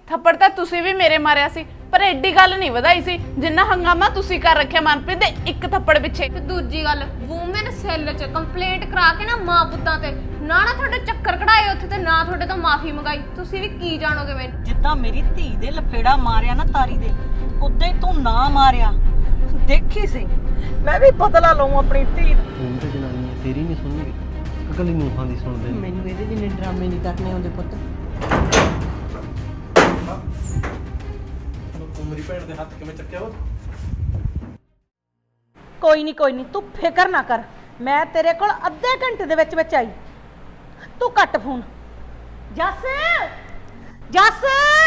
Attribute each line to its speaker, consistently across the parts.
Speaker 1: ਥੱਪੜ ਤਾਂ ਤੁਸੀਂ ਵੀ ਮੇਰੇ ਮਾਰਿਆ ਸੀ, ਪਰ ਐਡੀ ਗੱਲ ਨਹੀਂ ਵਧਾਈ ਸੀ ਜਿੰਨਾ ਹੰਗਾਮਾ ਤੁਸੀਂ ਕਰ ਰੱਖਿਆ ਮਨਪ੍ਰੀਤ ਦੇ ਇੱਕ ਥੱਪੜ ਪਿੱਛੇ।
Speaker 2: ਤੇ ਦੂਜੀ ਗੱਲ, ਵੂਮਨ ਸੈੱਲ 'ਚ ਕੰਪਲੇਂਟ ਕਰਾ ਕੇ ਨਾ ਮਾਂ ਪੁੱਤਾਂ ਤੇ ਨਾ ਤੁਹਾਡੇ ਚੱਕਰ ਕਢਾਏ ਉੱਥੇ, ਤੇ ਨਾ ਤੁਹਾਡੇ ਤੋਂ ਮਾਫੀ ਮੰਗਾਈ। ਤੁਸੀਂ ਵੀ ਕੀ ਜਾਣੋਗੇ ਮੈਨੂੰ।
Speaker 3: ਜਿੱਦਾਂ ਮੇਰੀ ਧੀ ਦੇ ਲਫੇੜਾ ਮਾਰਿਆ ਨਾ ਤਾਰੀ ਦੇ, ਉਦਾਂ ਹੀ ਤੂੰ ਨਾ ਮਾਰਿਆ। ਦੇਖੀ ਸੀ ਮੈਂ ਵੀ ਬਦਲਾ ਲਵਾਂ ਆਪਣੀ ਧੀ।
Speaker 4: ਤੂੰ ਤੇ ਜਨਾਨੀ ਹੈ, ਤੇਰੀ ਨਹੀਂ ਸੁਣਨਗੇ, ਅਗਲੀ ਨੂੰਹਾਂ ਦੀ ਸੁਣਦੇ ਨੇ।
Speaker 3: ਮੈਨੂੰ ਇਹਦੇ ਜਿੰਨੇ ਡਰਾਮੇ ਨਹੀਂ ਕਰਨੇ ਆਉਂਦੇ ਪੁੱਤ।
Speaker 4: ਤੂੰ ਮੇਰੀ ਭੈਣ ਦੇ ਹੱਥ ਕਿਵੇਂ ਚੱਕਿਆ ਉਹ?
Speaker 3: ਕੋਈ ਨਹੀਂ ਤੂੰ ਫਿਕਰ ਨਾ ਕਰ, ਮੈਂ ਤੇਰੇ ਕੋਲ ਅੱਧੇ ਘੰਟੇ ਦੇ ਵਿੱਚ ਆਈ। ਤੂੰ ਕੱਟ ਫੋਨ। ਜੱਸ ਜੱਸ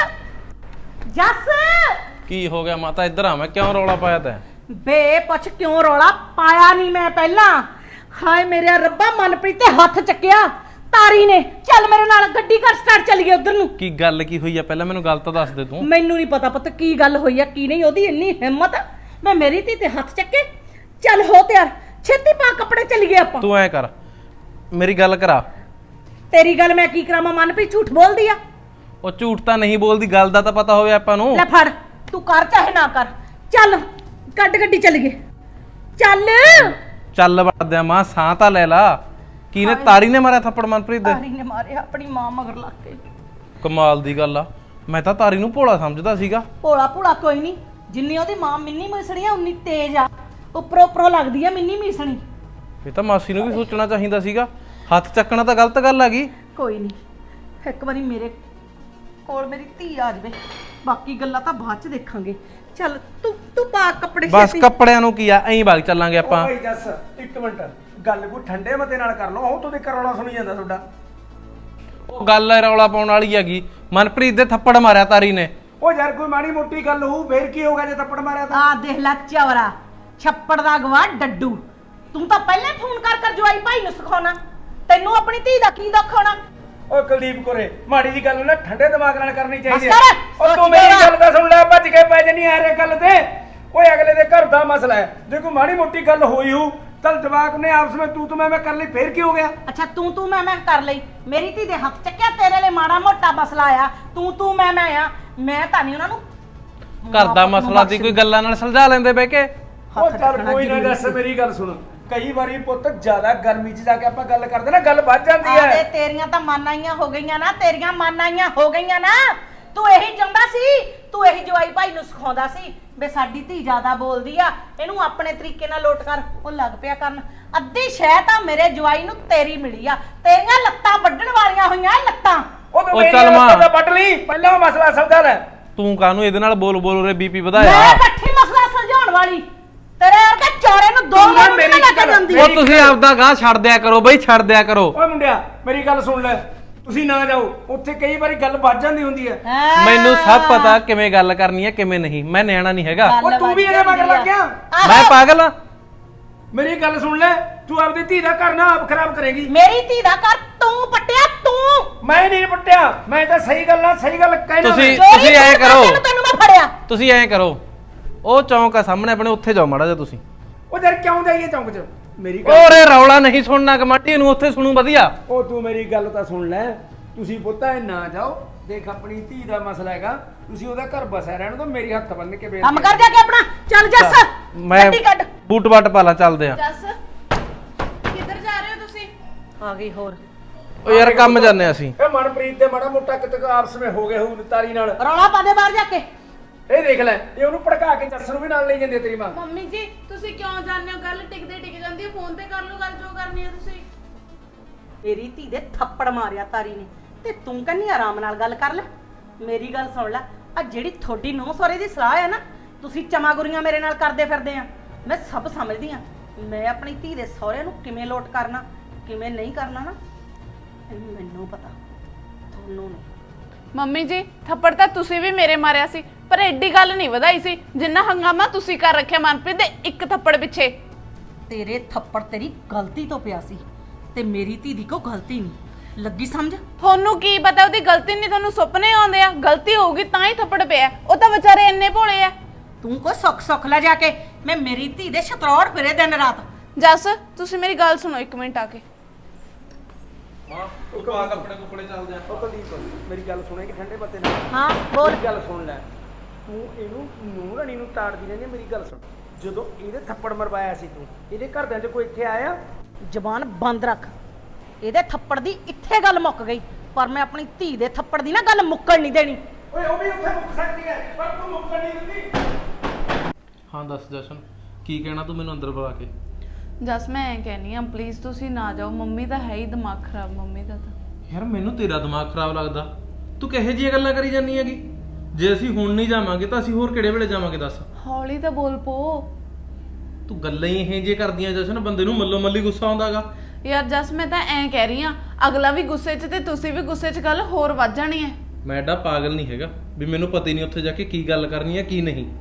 Speaker 3: ਜੱਸ
Speaker 5: ਕੀ ਹੋ ਗਿਆ ਮਾਤਾ? ਇੱਧਰ ਆ, ਮੈਂ ਕਿਉਂ ਰੌਲਾ ਪਾਇਆ ਤੈਂ?
Speaker 3: ਬੇ ਪੁੱਛ ਕਿਉਂ ਰੌਲਾ ਪਾਇਆ ਨਹੀਂ ਮੈਂ ਪਹਿਲਾਂ। ਹਾਏ ਮੇਰੇ ਰੱਬਾ, ਮਨਪ੍ਰੀਤ ਤੇ ਹੱਥ ਚੱਕਿਆ ਤਾਰੀ ਨੇ। ਚੱਲ ਮੇਰੇ ਨਾਲ ਗੱਡੀ ਕਰ ਸਟਾਰਟ, ਚੱਲੀਏ ਉਧਰ ਨੂੰ।
Speaker 5: ਕੀ ਗੱਲ ਕੀ ਹੋਈ ਆ? ਪਹਿਲਾਂ ਮੈਨੂੰ ਗੱਲ ਤਾਂ ਦੱਸ ਦੇ ਤੂੰ।
Speaker 3: ਮੈਨੂੰ ਨਹੀਂ ਪਤਾ ਪੁੱਤ ਕੀ ਗੱਲ ਹੋਈ ਆ ਕੀ ਨਹੀਂ। ਉਹਦੀ ਇੰਨੀ ਹਿੰਮਤ, ਮੈਂ ਮੇਰੀ ਧੀ ਤੇ ਹੱਥ ਚੱਕੇ। ਚੱਲ ਹੋ ਤਿਆਰ, ਛੇਤੀ ਪਾ ਕੱਪੜੇ, ਚੱਲੀਏ ਆਪਾਂ।
Speaker 5: ਤੂੰ ਐ ਕਰ, ਮੇਰੀ ਗੱਲ ਕਰਾ।
Speaker 3: ਤੇਰੀ ਗੱਲ ਮੈਂ ਕੀ ਕਰਾਵਾਂ? ਮਨਪ੍ਰੀਤ ਝੂਠ ਬੋਲਦੀ ਆ।
Speaker 5: ਉਹ ਝੂਠ ਤਾਂ ਨਹੀਂ ਬੋਲਦੀ, ਗੱਲ ਦਾ ਤਾਂ ਪਤਾ ਹੋਵੇ ਆਪਾਂ ਨੂੰ।
Speaker 3: ਲੈ ਫੜ, ਤੂੰ ਕਰ ਚਾਹੇ ਨਾ ਕਰ। ਚੱਲ ਕੱਢ ਗੱਡੀ, ਚੱਲੀਏ। ਚੱਲ
Speaker 5: ਚੱਲ ਵੜਦਿਆ ਮਾਂ, ਸਾਹ ਤਾਂ ਲੈ ਲਾ। ਕਿਹਨੇ? ਤਾਰੀ ਨੇ ਮਾਰਿਆ ਥੱਪੜ ਮਨਪ੍ਰੀਤ ਦੇ?
Speaker 3: ਤਾਰੀ ਨੇ ਮਾਰਿਆ ਆਪਣੀ ਮਾਂ ਮਗਰ ਲੱਗ ਕੇ।
Speaker 5: ਕਮਾਲ ਦੀ ਗੱਲ ਆ, ਮੈਂ ਤਾਂ ਤਾਰੀ ਨੂੰ ਭੋਲਾ ਸਮਝਦਾ ਸੀਗਾ।
Speaker 3: ਭੋਲਾ ਭੋਲਾ ਕੋਈ ਨਹੀਂ, ਜਿੰਨੀ ਉਹਦੀ ਮਾਂ ਮਿੰਨੀ ਮਿਸਣੀ ਆ ਉਨੀ ਤੇਜ਼ ਆ। ਉੱਪਰੋਂ ਉੱਪਰੋਂ ਲੱਗਦੀ ਆ ਮਿੰਨੀ ਮਿਸਣੀ।
Speaker 5: ਇਹ ਤਾਂ ਮਾਸੀ ਨੂੰ ਵੀ ਸੋਚਣਾ ਚਾਹੀਦਾ ਸੀਗਾ। ਹੱਥ ਚੱਕਣਾ ਤਾਂ ਗਲਤ ਗੱਲ ਹੈਗੀ।
Speaker 3: ਕੋਈ ਨਹੀਂ, ਇੱਕ ਵਾਰੀ ਮੇਰੇ ਕੋਲ ਮੇਰੀ ਧੀ ਆ ਜਾਵੇ, ਬਾਕੀ ਗੱਲਾਂ ਤਾਂ ਬਾਅਦ ਚ ਦੇਖਾਂਗੇ। ਚੱਲ ਤੂੰ ਪਾ ਕੱਪੜੇ
Speaker 5: ਬਸ
Speaker 3: ਛੇਤੀ।
Speaker 5: ਕੱਪੜਿਆਂ ਨੂੰ ਕੀ ਆ, ਐਂ ਵਗ ਚੱਲਾਂਗੇ ਆਪਾਂ।
Speaker 6: ਭਾਈ ਜੱਸ ਇੱਕ ਮਿੰਟ, ਗੱਲ ਕੋਈ ਠੰਡੇ ਮਤੇ ਨਾਲ ਕਰ ਲਓ। ਉਹ ਤੁਹਾਡੇ ਕਰੌਲਾ ਸੁਣੀ ਜਾਂਦਾ ਤੁਹਾਡਾ।
Speaker 5: ਉਹ ਗੱਲ ਰੌਲਾ ਪਾਉਣ ਵਾਲੀ ਹੈਗੀ। ਮਨਪ੍ਰੀਤ ਦੇ ਥੱਪੜ ਮਾਰਿਆ ਤਾਰੀ ਨੇ।
Speaker 6: ਉਹ ਯਾਰ ਕੋਈ ਮਾੜੀ ਮੋਟੀ ਗੱਲ ਹੋਊ, ਫੇਰ ਕੀ ਹੋਗਾ ਜੇ ਥੱਪੜ ਮਾਰਿਆ ਤਾਂ?
Speaker 3: ਆ ਦੇਖ ਲੈ ਚਵਰਾ, ਛੱਪੜ ਦਾ ਗਵਾ ਡੱਡੂ। ਤੂੰ ਤਾਂ ਪਹਿਲੇ ਫੋਨ ਕਰ ਜਵਾਈ ਭਾਈ ਨੂੰ ਸਿਖਾਉਣਾ, ਤੈਨੂੰ ਆਪਣੀ ਧੀ ਦਾ ਕੀ ਦੁੱਖ ਹੋਣਾ।
Speaker 6: ਓਏ ਕੁਲਦੀਪ ਕੋਰੇ, ਮਾੜੀ ਜੀ ਗੱਲ ਨਾ ਠੰਡੇ ਦਿਮਾਗ ਨਾਲ ਕਰਨੀ ਚਾਹੀਦੀ
Speaker 3: ਬਸ
Speaker 6: ਹੈ।
Speaker 3: ਕਰ,
Speaker 6: ਉਹ ਤੂੰ
Speaker 3: ਸੋਚ
Speaker 6: ਮੇਰੀ
Speaker 3: ਕੇ
Speaker 6: ਗੱਲ ਤਾਂ ਸੁਣ ਲੈ, ਭੱਜ ਕੇ ਪੈ ਜਣੀ ਆ ਰੇ ਗੱਲ ਤੇ। ਓਏ ਅਗਲੇ ਦੇ ਘਰ ਦਾ ਮਸਲਾ ਹੈ, ਜੇ ਕੋਈ ਮਾੜੀ ਮੋਟੀ ਗੱਲ ਹੋਈ ਹੋ ਤਾਂ ਜਵਾਕ ਨੇ ਆਪਸ ਵਿੱਚ ਤੂੰ ਮੈਂ ਕਰ ਲਈ, ਫੇਰ ਕੀ ਹੋ ਗਿਆ?
Speaker 3: ਅੱਛਾ ਤੂੰ ਮੈਂ ਕਰ ਲਈ। ਮੇਰੀ ਧੀ ਦੇ ਹੱਥ ਚੱਕਿਆ, ਤੇਰੇ ਲਈ ਮਾੜਾ ਮੋਟਾ ਮਸਲਾ ਆ। ਤੂੰ ਮੈਂ ਆ, ਮੈਂ ਤਾਂ ਨਹੀਂ ਉਹਨਾਂ ਨੂੰ
Speaker 5: ਘਰ ਦਾ ਮਸਲਾ ਦੀ ਕੋਈ ਗੱਲਾਂ ਨਾਲ ਸੁਲਝਾ ਲੈਂਦੇ ਬਹਿ ਕੇ।
Speaker 6: ਉਹ ਚੱਲ ਕੋਈ ਨਾ ਜੱਸ, ਮੇਰੀ ਗੱਲ ਸੁਣ। ਕਈ ਵਾਰੀ ਪੁੱਤ ਜ਼ਿਆਦਾ ਗਰਮੀ 'ਚ ਜਾ ਕੇ ਆਪਾਂ ਗੱਲ ਕਰਦੇ ਨਾ, ਗੱਲ ਵੱਧ ਜਾਂਦੀ
Speaker 3: ਆਦੇ
Speaker 6: ਹੈ।
Speaker 3: ਤੇਰੀਆਂ ਤਾਂ ਮਾਨਾਈਆਂ ਹੋ ਗਈਆਂ ਨਾ, ਤੇਰੀਆਂ ਮਾਨਾਈਆਂ ਹੋ ਗਈਆਂ ਨਾ। ਤੂੰ ਇਹੀ ਚਾਹੁੰਦਾ ਸੀ, ਤੂੰ ਇਹੀ ਜਵਾਈ ਭਾਈ ਨੂੰ ਸਿਖਾਉਂਦਾ ਸੀ ਵੀ ਸਾਡੀ ਧੀ ਜ਼ਿਆਦਾ ਬੋਲਦੀ ਆ, ਇਹਨੂੰ ਆਪਣੇ ਤਰੀਕੇ ਨਾਲ ਲੋਟ ਕਰ। ਉਹ ਲੱਗ ਪਿਆ ਕਰਨ। ਅੱਧੀ ਸ਼ਹਿ ਤਾਂ ਮੇਰੇ ਜਵਾਈ ਨੂੰ ਤੇਰੀ ਮਿਲੀ ਆ। ਤੇਰੀਆਂ ਲੱਤਾਂ ਵੱਢਣ ਵਾਲੀਆਂ ਹੋਈਆਂ ਲੱਤਾਂ।
Speaker 6: ਉਹ ਤੂੰ
Speaker 5: ਉਹ
Speaker 6: ਮੇਰੀ
Speaker 5: ਚੱਲ ਮਾਂ।
Speaker 6: ਲੱਤਾਂ ਤਾਂ ਵੱਢ ਲਈ, ਪਹਿਲਾਂ ਉਹ ਮਸਲਾ ਸਮਝਾ ਲੈ।
Speaker 5: ਤੂੰ ਕਾਹਨੂੰ ਇਹਦੇ ਨਾਲ ਬੋਲ ਰੇ ਬੀਪੀ
Speaker 3: ਮੈਂ
Speaker 5: ਵਧਾਇਆ?
Speaker 3: ਇਕੱਠੀ ਮਸਲਾ ਸੁਲਝਾਉਣ ਵਾਲੀ, ਤੇਰੇ ਵਰਗੇ ਚੋਰੇ ਨੂੰ ਦੋ ਮਿੰਟ
Speaker 6: ਮੇਰੀ
Speaker 3: ਨਹੀਂ ਲੱਗ
Speaker 6: ਗੱਲ-
Speaker 3: ਜਾਂਦੀ।
Speaker 5: ਉਹ ਤੁਸੀਂ ਆਪਦਾ ਗਾਹ ਛੱਡ ਦਿਆ ਕਰੋ ਬਈ, ਛੱਡ ਦਿਆ ਕਰੋ।
Speaker 6: ਓਏ ਮੁੰਡਿਆ, ਮੇਰੀ ਗੱਲ ਸੁਣ ਲੈ। ਤੁਸੀਂ ਨਾ ਜਾਓ ਉੱਥੇ, ਕਈ ਵਾਰੀ ਗੱਲ ਵੱਜ ਜਾਂਦੀ ਹੁੰਦੀ ਹੈ।
Speaker 3: ਹਾਂ।
Speaker 5: ਮੈਨੂੰ ਸਭ ਪਤਾ ਕਿਵੇਂ ਗੱਲ ਕਰਨੀ ਹੈ ਕਿਵੇਂ ਨਹੀਂ। ਮੈਂ ਨਿਆਣਾ ਨਹੀਂ ਹੈਗਾ।
Speaker 6: ਉਹ ਤੂੰ ਵੀ ਇਹਦੇ ਮਗਰ ਲੱਗ ਗਿਆ।
Speaker 5: ਮੈਂ ਪਾਗਲ ਆ?
Speaker 6: ਮੇਰੀ ਗੱਲ ਸੁਣ ਲੈ, ਤੂੰ ਆਪਦੀ ਧੀ ਦਾ ਘਰ ਨਾ ਆਪ ਖਰਾਬ ਕਰੇਗੀ।
Speaker 3: ਮੇਰੀ ਧੀ ਦਾ ਘਰ ਤੂੰ ਪੱਟਿਆ, ਤੂੰ।
Speaker 6: ਮੈਂ ਨਹੀਂ ਪੱਟਿਆ, ਮੈਂ ਤਾਂ ਸਹੀ ਗੱਲ ਕਹਿਣਾ।
Speaker 5: ਤੁਸੀਂ-
Speaker 3: ਚੋਰੀ
Speaker 5: ਐਂ
Speaker 3: ਤੂੰ
Speaker 5: ਕਰੋ।
Speaker 3: ਕਰਦੇ ਨੂੰ ਤੈਨੂੰ ਮੈਂ ਫੜਿਆ।
Speaker 5: ਤੁਸੀਂ ਐਂ ਕਰੋ, ਉਹ ਚੌਂਕ ਆ ਸਾਹਮਣੇ ਆਪਣੇ, ਉੱਥੇ ਜਾਓ ਮਾੜਾ ਜਿਹਾ ਤੁਸੀਂ।
Speaker 6: ਉਹ ਯਾਰ ਕਿਉਂ ਜਾਈਏ ਚੌਂਕ 'ਚ? ਮੇਰੀ ਗੱਲ,
Speaker 5: ਓਰੇ ਰੌਲਾ ਨਹੀਂ ਸੁਣਨਾ, ਕਮਾਟੀ ਨੂੰ ਉੱਥੇ ਸੁਣੂ ਵਧੀਆ।
Speaker 6: ਉਹ ਤੂੰ ਮੇਰੀ ਗੱਲ ਤਾਂ ਸੁਣ ਲੈ। ਤੁਸੀਂ ਪੁੱਤਾ ਇਹ ਨਾ ਜਾਓ, ਦੇਖ ਆਪਣੀ ਧੀ ਦਾ ਮਸਲਾ ਹੈਗਾ, ਤੁਸੀਂ ਉਹਦਾ ਘਰ ਬਸਿਆ ਰਹਿਣ ਤੋਂ। ਮੇਰੀ ਹੱਥ ਬੰਨ ਕੇ ਬੇਨਤੀ
Speaker 3: ਕੰਮ ਕਰ ਜਾ ਕੇ ਆਪਣਾ। ਚੱਲ ਜੱਸ,
Speaker 5: ਮੈਂ
Speaker 3: ਗੱਡੀ ਕੱਢ।
Speaker 5: ਬੂਟ ਬਾਟ ਪਾ ਲਾਂ, ਚੱਲਦੇ ਆ।
Speaker 1: ਜੱਸ ਕਿੱਧਰ ਜਾ ਰਹੇ ਹੋ ਤੁਸੀਂ?
Speaker 3: ਆ ਗਈ ਹੋਰ
Speaker 5: ਓ ਯਾਰ ਕੰਮ ਜਾਂਦੇ ਆ ਅਸੀਂ।
Speaker 6: ਇਹ ਮਨਪ੍ਰੀਤ ਦੇ ਮਾੜਾ ਮੋਟਾ ਕਿਤੇ ਆਪਸ ਵਿੱਚ ਹੋ ਗਏ ਹੋਊ ਤਾਰੀ ਨਾਲ।
Speaker 3: ਰੌਲਾ ਪਾ ਦੇ ਬਾਹਰ ਜਾ ਕੇ।
Speaker 6: ਇਹ ਦੇਖ ਲੈ, ਇਹ ਉਹਨੂੰ ਭੜਕਾ ਕੇ ਜੱਸ ਨੂੰ ਵੀ ਨਾਲ ਲਈ ਜਾਂਦੀ ਹੈ ਤੇਰੀ ਮਾਂ।
Speaker 1: ਮੰਮੀ ਜੀ ਤੁਸੀਂ ਕਿਉਂ ਜਾਂਦੇ ਹੋ? ਗੱਲ ਟਿਕਦੇ ਟਿਕ ਜਾਂਦੀ ਹੈ, ਫੋਨ ਤੇ ਕਰ ਲਓ ਗੱਲ ਜੋ ਕਰਨੀ ਹੈ ਤੁਸੀਂ।
Speaker 3: ਮੇਰੀ ਧੀ ਦੇ ਥੱਪੜ ਮਾਰਿਆ ਤਾਰੀ ਨੇ, ਤੇ ਤੂੰ ਕਹਿੰਦੀ ਆਰਾਮ ਨਾਲ ਗੱਲ ਕਰ ਲੈ। ਮੇਰੀ ਗੱਲ ਸੁਣ ਲੈ, ਆ ਜਿਹੜੀ ਤੁਹਾਡੀ ਨੂੰਹ ਸਹੁਰੇ ਦੀ ਸਲਾਹ ਹੈ ਨਾ, ਤੁਸੀਂ ਚਮਾਗੁਰੀਆਂ ਮੇਰੇ ਨਾਲ ਕਰਦੇ ਫਿਰਦੇ ਆ, ਮੈਂ ਸਭ ਸਮਝਦੀ ਆ। ਮੈਂ ਆਪਣੀ ਧੀ ਦੇ ਸਹੁਰੇ ਨੂੰ ਕਿਵੇਂ ਲੋਟ ਕਰਨਾ, ਕਿਵੇਂ ਨਹੀਂ ਕਰਨਾ ਨਾ, ਇਹ ਮੈਨੂੰ ਪਤਾ, ਤੁਹਾਨੂੰ ਨਹੀਂ।
Speaker 1: ਮੰਮੀ ਜੀ ਥੱਪੜ ਤਾਂ ਤੁਸੀਂ ਵੀ ਮੇਰੇ ਮਾਰਿਆ ਸੀ, ਪਰ ਐਡੀ ਗੱਲ ਨਹੀਂ ਵਧਾਈ ਸੀ ਜਿੰਨਾ ਹੰਗਾਮਾ ਤੁਸੀਂ ਕਰ ਰੱਖਿਆ ਮਨਪ੍ਰੀਤ ਦੇ ਇੱਕ ਥੱਪੜ ਪਿੱਛੇ।
Speaker 3: ਤੇਰੇ ਥੱਪੜ ਤੇਰੀ ਗਲਤੀ ਤੋਂ ਪਿਆ ਸੀ, ਤੇ ਮੇਰੀ ਧੀ ਦੀ ਕੋਈ ਗਲਤੀ ਨਹੀਂ। ਲੱਗੀ ਸਮਝ?
Speaker 1: ਤੁਹਾਨੂੰ ਕੀ ਪਤਾ ਉਹਦੀ ਗਲਤੀ ਨਹੀਂ, ਤੁਹਾਨੂੰ ਸੁਪਨੇ ਆਉਂਦੇ ਆ। ਗਲਤੀ ਹੋਊਗੀ ਤਾਂ ਹੀ ਥੱਪੜ ਪਿਆ, ਉਹ ਤਾਂ ਵਿਚਾਰੇ ਇੰਨੇ ਭੋਲੇ ਆ।
Speaker 3: ਤੂੰ ਕੋ ਸੁੱਖ ਲੈ ਜਾ ਕੇ। ਮੈਂ ਮੇਰੀ ਧੀ ਦੇ ਛਤਰੌੜ ਫਿਰੇ ਦਿਨ ਰਾਤ।
Speaker 1: ਜੱਸ ਤੁਸੀਂ ਮੇਰੀ ਗੱਲ ਸੁਣੋ ਇੱਕ ਮਿੰਟ ਆ ਕੇ।
Speaker 5: ਮਾਂ ਤੂੰ ਪਾ ਕੱਪੜੇ ਕੁੱਪੜੇ ਚੱਲਦੇ ਆ।
Speaker 6: ਉਹ ਕੁਲਦੀਪ ਮੇਰੀ ਗੱਲ ਸੁਣੇਗੀ ਠੰਡੇ ਮੱਤੇ ਨਾਲ।
Speaker 3: ਹਾਂ ਬੋਲ।
Speaker 6: ਮੇਰੀ ਗੱਲ ਸੁਣ ਲੈ, ਤੂੰ ਇਹਨੂੰ ਨੂੰਹ ਰਾਣੀ ਨੂੰ ਤਾੜਦੀ ਰਹਿੰਦੀ ਹੈ। ਮੇਰੀ ਗੱਲ ਸੁਣ, ਜਦੋਂ ਇਹਦੇ ਥੱਪੜ ਮਰਵਾਇਆ ਸੀ ਤੂੰ, ਇਹਦੇ ਘਰਦਿਆਂ 'ਚ ਕੋਈ ਇੱਥੇ ਆਇਆ?
Speaker 3: ਜ਼ਬਾਨ ਬੰਦ ਰੱਖ। ਇਹਦੇ ਥੱਪੜ ਦੀ ਇੱਥੇ ਗੱਲ ਮੁੱਕ ਗਈ, ਪਰ ਮੈਂ ਆਪਣੀ ਧੀ ਦੇ ਥੱਪੜ ਦੀ ਨਾ ਗੱਲ ਮੁੱਕਣ ਨਹੀਂ ਦੇਣੀ।
Speaker 6: ਓਏ ਉਹ ਵੀ ਉੱਥੇ ਮੁੱਕ ਸਕਦੀ ਹੈ, ਪਰ ਤੂੰ ਮੁੱਕਣ ਨਹੀਂ ਦਿੰਦੀ।
Speaker 5: ਹਾਂ ਦੱਸ ਜਸ਼ਨ, ਕੀ ਕਹਿਣਾ ਤੂੰ ਮੈਨੂੰ ਅੰਦਰ ਬੁਲਾ ਕੇ?
Speaker 1: ਜਸ ਮੈਂ ਐਂ ਕਹਿਨੀ ਆ ਪਲੀਜ਼ ਤੁਸੀਂ ਨਾ ਜਾਓ, ਮੰਮੀ ਦਾ ਹੈ ਹੀ ਦਿਮਾਗ ਖਰਾਬ ਮੰਮੀ ਦਾ ਤਾਂ।
Speaker 5: ਯਾਰ ਮੈਨੂੰ ਤੇਰਾ ਦਿਮਾਗ ਖਰਾਬ ਲੱਗਦਾ, ਤੂੰ ਕਿਹੋ ਜਿਹੀਆਂ ਗੱਲਾਂ ਕਰੀ ਜਾਂਦੀ ਹੈਗੀ? ਜੇ ਅਸੀਂ ਹੁਣ ਨਹੀਂ ਜਾਵਾਂਗੇ ਤਾਂ ਅਸੀਂ ਹੋਰ ਕਿਹੜੇ ਵੇਲੇ ਜਾਵਾਂਗੇ ਦੱਸ?
Speaker 1: ਹੌਲੀ ਤਾਂ ਬੋਲ ਪੋ।
Speaker 5: ਤੂੰ ਗੱਲਾਂ ਹੀ ਇਹ ਜਿਹੀਆਂ ਕਰਦੀਆਂ ਜਸ਼ਨ, ਬੰਦੇ ਨੂੰ ਮੱਲੋ ਮੱਲੀ ਗੁੱਸਾ ਆਉਂਦਾਗਾ।
Speaker 1: ਯਾਰ ਜਸ ਮੈਂ ਤਾਂ ਐਂ ਕਹਿ ਰਹੀ ਆ, ਅਗਲਾ ਵੀ ਗੁੱਸੇ 'ਚ ਤੇ ਤੁਸੀਂ ਵੀ ਗੁੱਸੇ 'ਚ, ਗੱਲ ਹੋਰ ਵੱਧ ਜਾਣੀ ਹੈ।
Speaker 5: ਮੈਂ ਐਡਾ ਪਾਗਲ ਨਹੀਂ ਹੈਗਾ ਵੀ ਮੈਨੂੰ ਪਤਾ ਹੀ ਨਹੀਂ ਉੱਥੇ ਜਾ ਕੇ ਕੀ ਗੱਲ ਕਰਨੀ ਹੈ ਕੀ ਨਹੀਂ।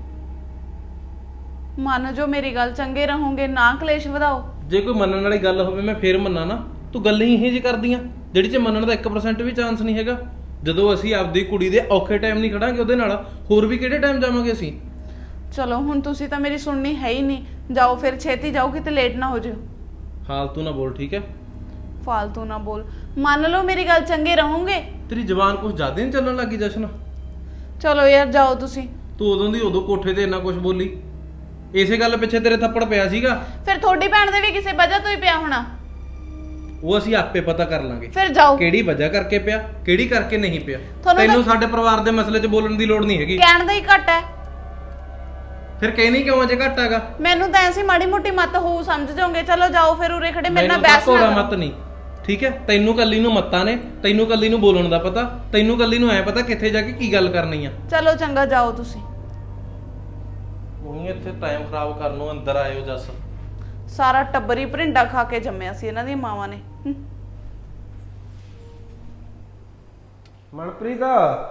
Speaker 1: ਮੰਨ ਜੋ ਮੇਰੀ ਗੱਲ, ਚੰਗੇ ਰਹੋਗੇ, ਨਾ ਕਲੇਸ਼ ਵਧਾਓ।
Speaker 5: ਜੇ ਕੋਈ ਮੰਨਣ ਵਾਲੀ ਗੱਲ ਹੋਵੇ ਮੈਂ ਫੇਰ ਮੰਨਾਂ ਨਾ, ਤੂੰ ਗੱਲਾਂ ਹੀ ਇਹ ਜਿਹੀ ਕਰਦੀਆਂ ਜਿਹੜੀ 'ਚ ਮੰਨਣ ਦਾ 1% ਵੀ ਚਾਂਸ ਨਹੀਂ ਹੈਗਾ। ਜਦੋਂ ਅਸੀਂ ਆਪਦੀ ਕੁੜੀ ਦੇ ਔਖੇ ਟਾਈਮ ਨਹੀਂ ਖੜਾਂਗੇ ਉਹਦੇ ਨਾਲ, ਹੋਰ ਵੀ ਕਿਹੜੇ ਟਾਈਮ ਜਾਵਾਂਗੇ ਅਸੀਂ?
Speaker 1: ਚਲੋ ਹੁਣ ਤੁਸੀਂ ਤਾਂ ਮੇਰੀ ਸੁਣਨੀ ਹੈ ਹੀ ਨਹੀਂ, ਜਾਓ ਫਿਰ ਛੇਤੀ ਜਾਓ, ਕਿਤੇ ਲੇਟ ਨਾ ਹੋ ਜਿਓ।
Speaker 5: ਫਾਲਤੂ ਨਾ ਬੋਲ ਠੀਕ ਹੈ?
Speaker 1: ਫਾਲਤੂ ਨਾ ਬੋਲ, ਮੰਨ ਲਓ ਮੇਰੀ ਗੱਲ, ਚੰਗੇ ਰਹੋਗੇ।
Speaker 5: ਤੇਰੀ ਜ਼ਬਾਨ ਕੁਝ ਜ਼ਿਆਦਾ ਨਹੀਂ ਚੱਲਣ ਲੱਗੀ ਜਸ਼ਨ?
Speaker 1: ਚਲੋ ਯਾਰ ਜਾਓ ਤੁਸੀਂ।
Speaker 5: ਤੂੰ ਉਦੋਂ ਦੀ ਉਦੋਂ ਕੋਠੇ ਤੇ ਇੰਨਾ ਕੁਝ ਬੋਲੀ, ਇਸੇ ਗੱਲ ਪਿੱਛੇ ਤੇਰੇ ਥੱਪੜ ਪਿਆ ਸੀਗਾ।
Speaker 1: ਫਿਰ ਤੁਹਾਡੀ ਭੈਣ ਦੇ ਵੀ ਕਿਸੇ ਵਜ੍ਹਾ ਤੋਂ ਹੀ ਪਿਆ ਹੋਣਾ।
Speaker 5: ਉਹ ਅਸੀਂ ਆਪੇ ਪਤਾ ਕਰ ਲਾਂਗੇ
Speaker 1: ਫਿਰ ਜਾਓ।
Speaker 5: ਕਿਹੜੀ ਵਜ੍ਹਾ ਕਰਕੇ ਪਿਆ, ਕਿਹੜੀ ਕਰਕੇ ਨਹੀਂ ਪਿਆ।
Speaker 1: ਤੁਹਾਨੂੰ
Speaker 5: ਤੈਨੂੰ ਸਾਡੇ ਪਰਿਵਾਰ ਦੇ ਮਸਲੇ 'ਚ ਬੋਲਣ ਦੀ ਲੋੜ ਨਹੀਂ ਹੈਗੀ।
Speaker 1: ਕਹਿਣ ਦਾ ਹੀ ਘੱਟ ਹੈ।
Speaker 5: ਫਿਰ ਕਹਿਣੀ ਕਿਉਂ ਜੇ ਘੱਟ ਹੈਗਾ?
Speaker 1: ਮੈਨੂੰ ਤਾਂ ਐਸੀ ਮਾੜੀ ਮੋਟੀ ਮੱਤ ਹੋਊ, ਸਮਝ ਜਾਓਗੇ। ਚਲੋ ਜਾਓ ਫਿਰ, ਉਰੇ ਖੜੇ ਮੇਰੇ ਨਾਲ
Speaker 5: ਮੈਨੂੰ ਤਾਂ
Speaker 1: ਬਹਿਸ
Speaker 5: ਭੋਲਾ
Speaker 1: ਨਾ
Speaker 5: ਮਤ
Speaker 1: ਕਰੋ।
Speaker 5: ਨਹੀਂ ਠੀਕ ਹੈ? ਤੈਨੂੰ ਕੱਲੀ ਨੂੰ ਮੱਤਾਂ ਨੇ, ਤੈਨੂੰ ਕੱਲੀ ਨੂੰ ਬੋਲਣ ਦਾ ਪਤਾ, ਤੈਨੂੰ ਕੱਲੀ ਨੂੰ ਐ ਪਤਾ ਕਿੱਥੇ ਜਾ ਕੇ ਕੀ ਗੱਲ ਕਰਨੀ ਆ।
Speaker 1: ਚਲੋ ਚੰਗਾ ਜਾਓ ਤੁਸੀਂ।
Speaker 5: ਉਹੀ ਇੱਥੇ ਟਾਈਮ ਖਰਾਬ ਕਰਨ ਨੂੰ ਅੰਦਰ ਆਇਓ ਜੱਸ।
Speaker 1: ਸਾਰਾ ਟੱਬਰ ਹੀ ਭਰਿੰਡਾ ਖਾ ਕੇ ਜੰਮਿਆ ਸੀ ਇਹਨਾਂ ਦੀਆਂ ਮਾਵਾਂ ਨੇ।
Speaker 4: ਮਨਪ੍ਰੀਤ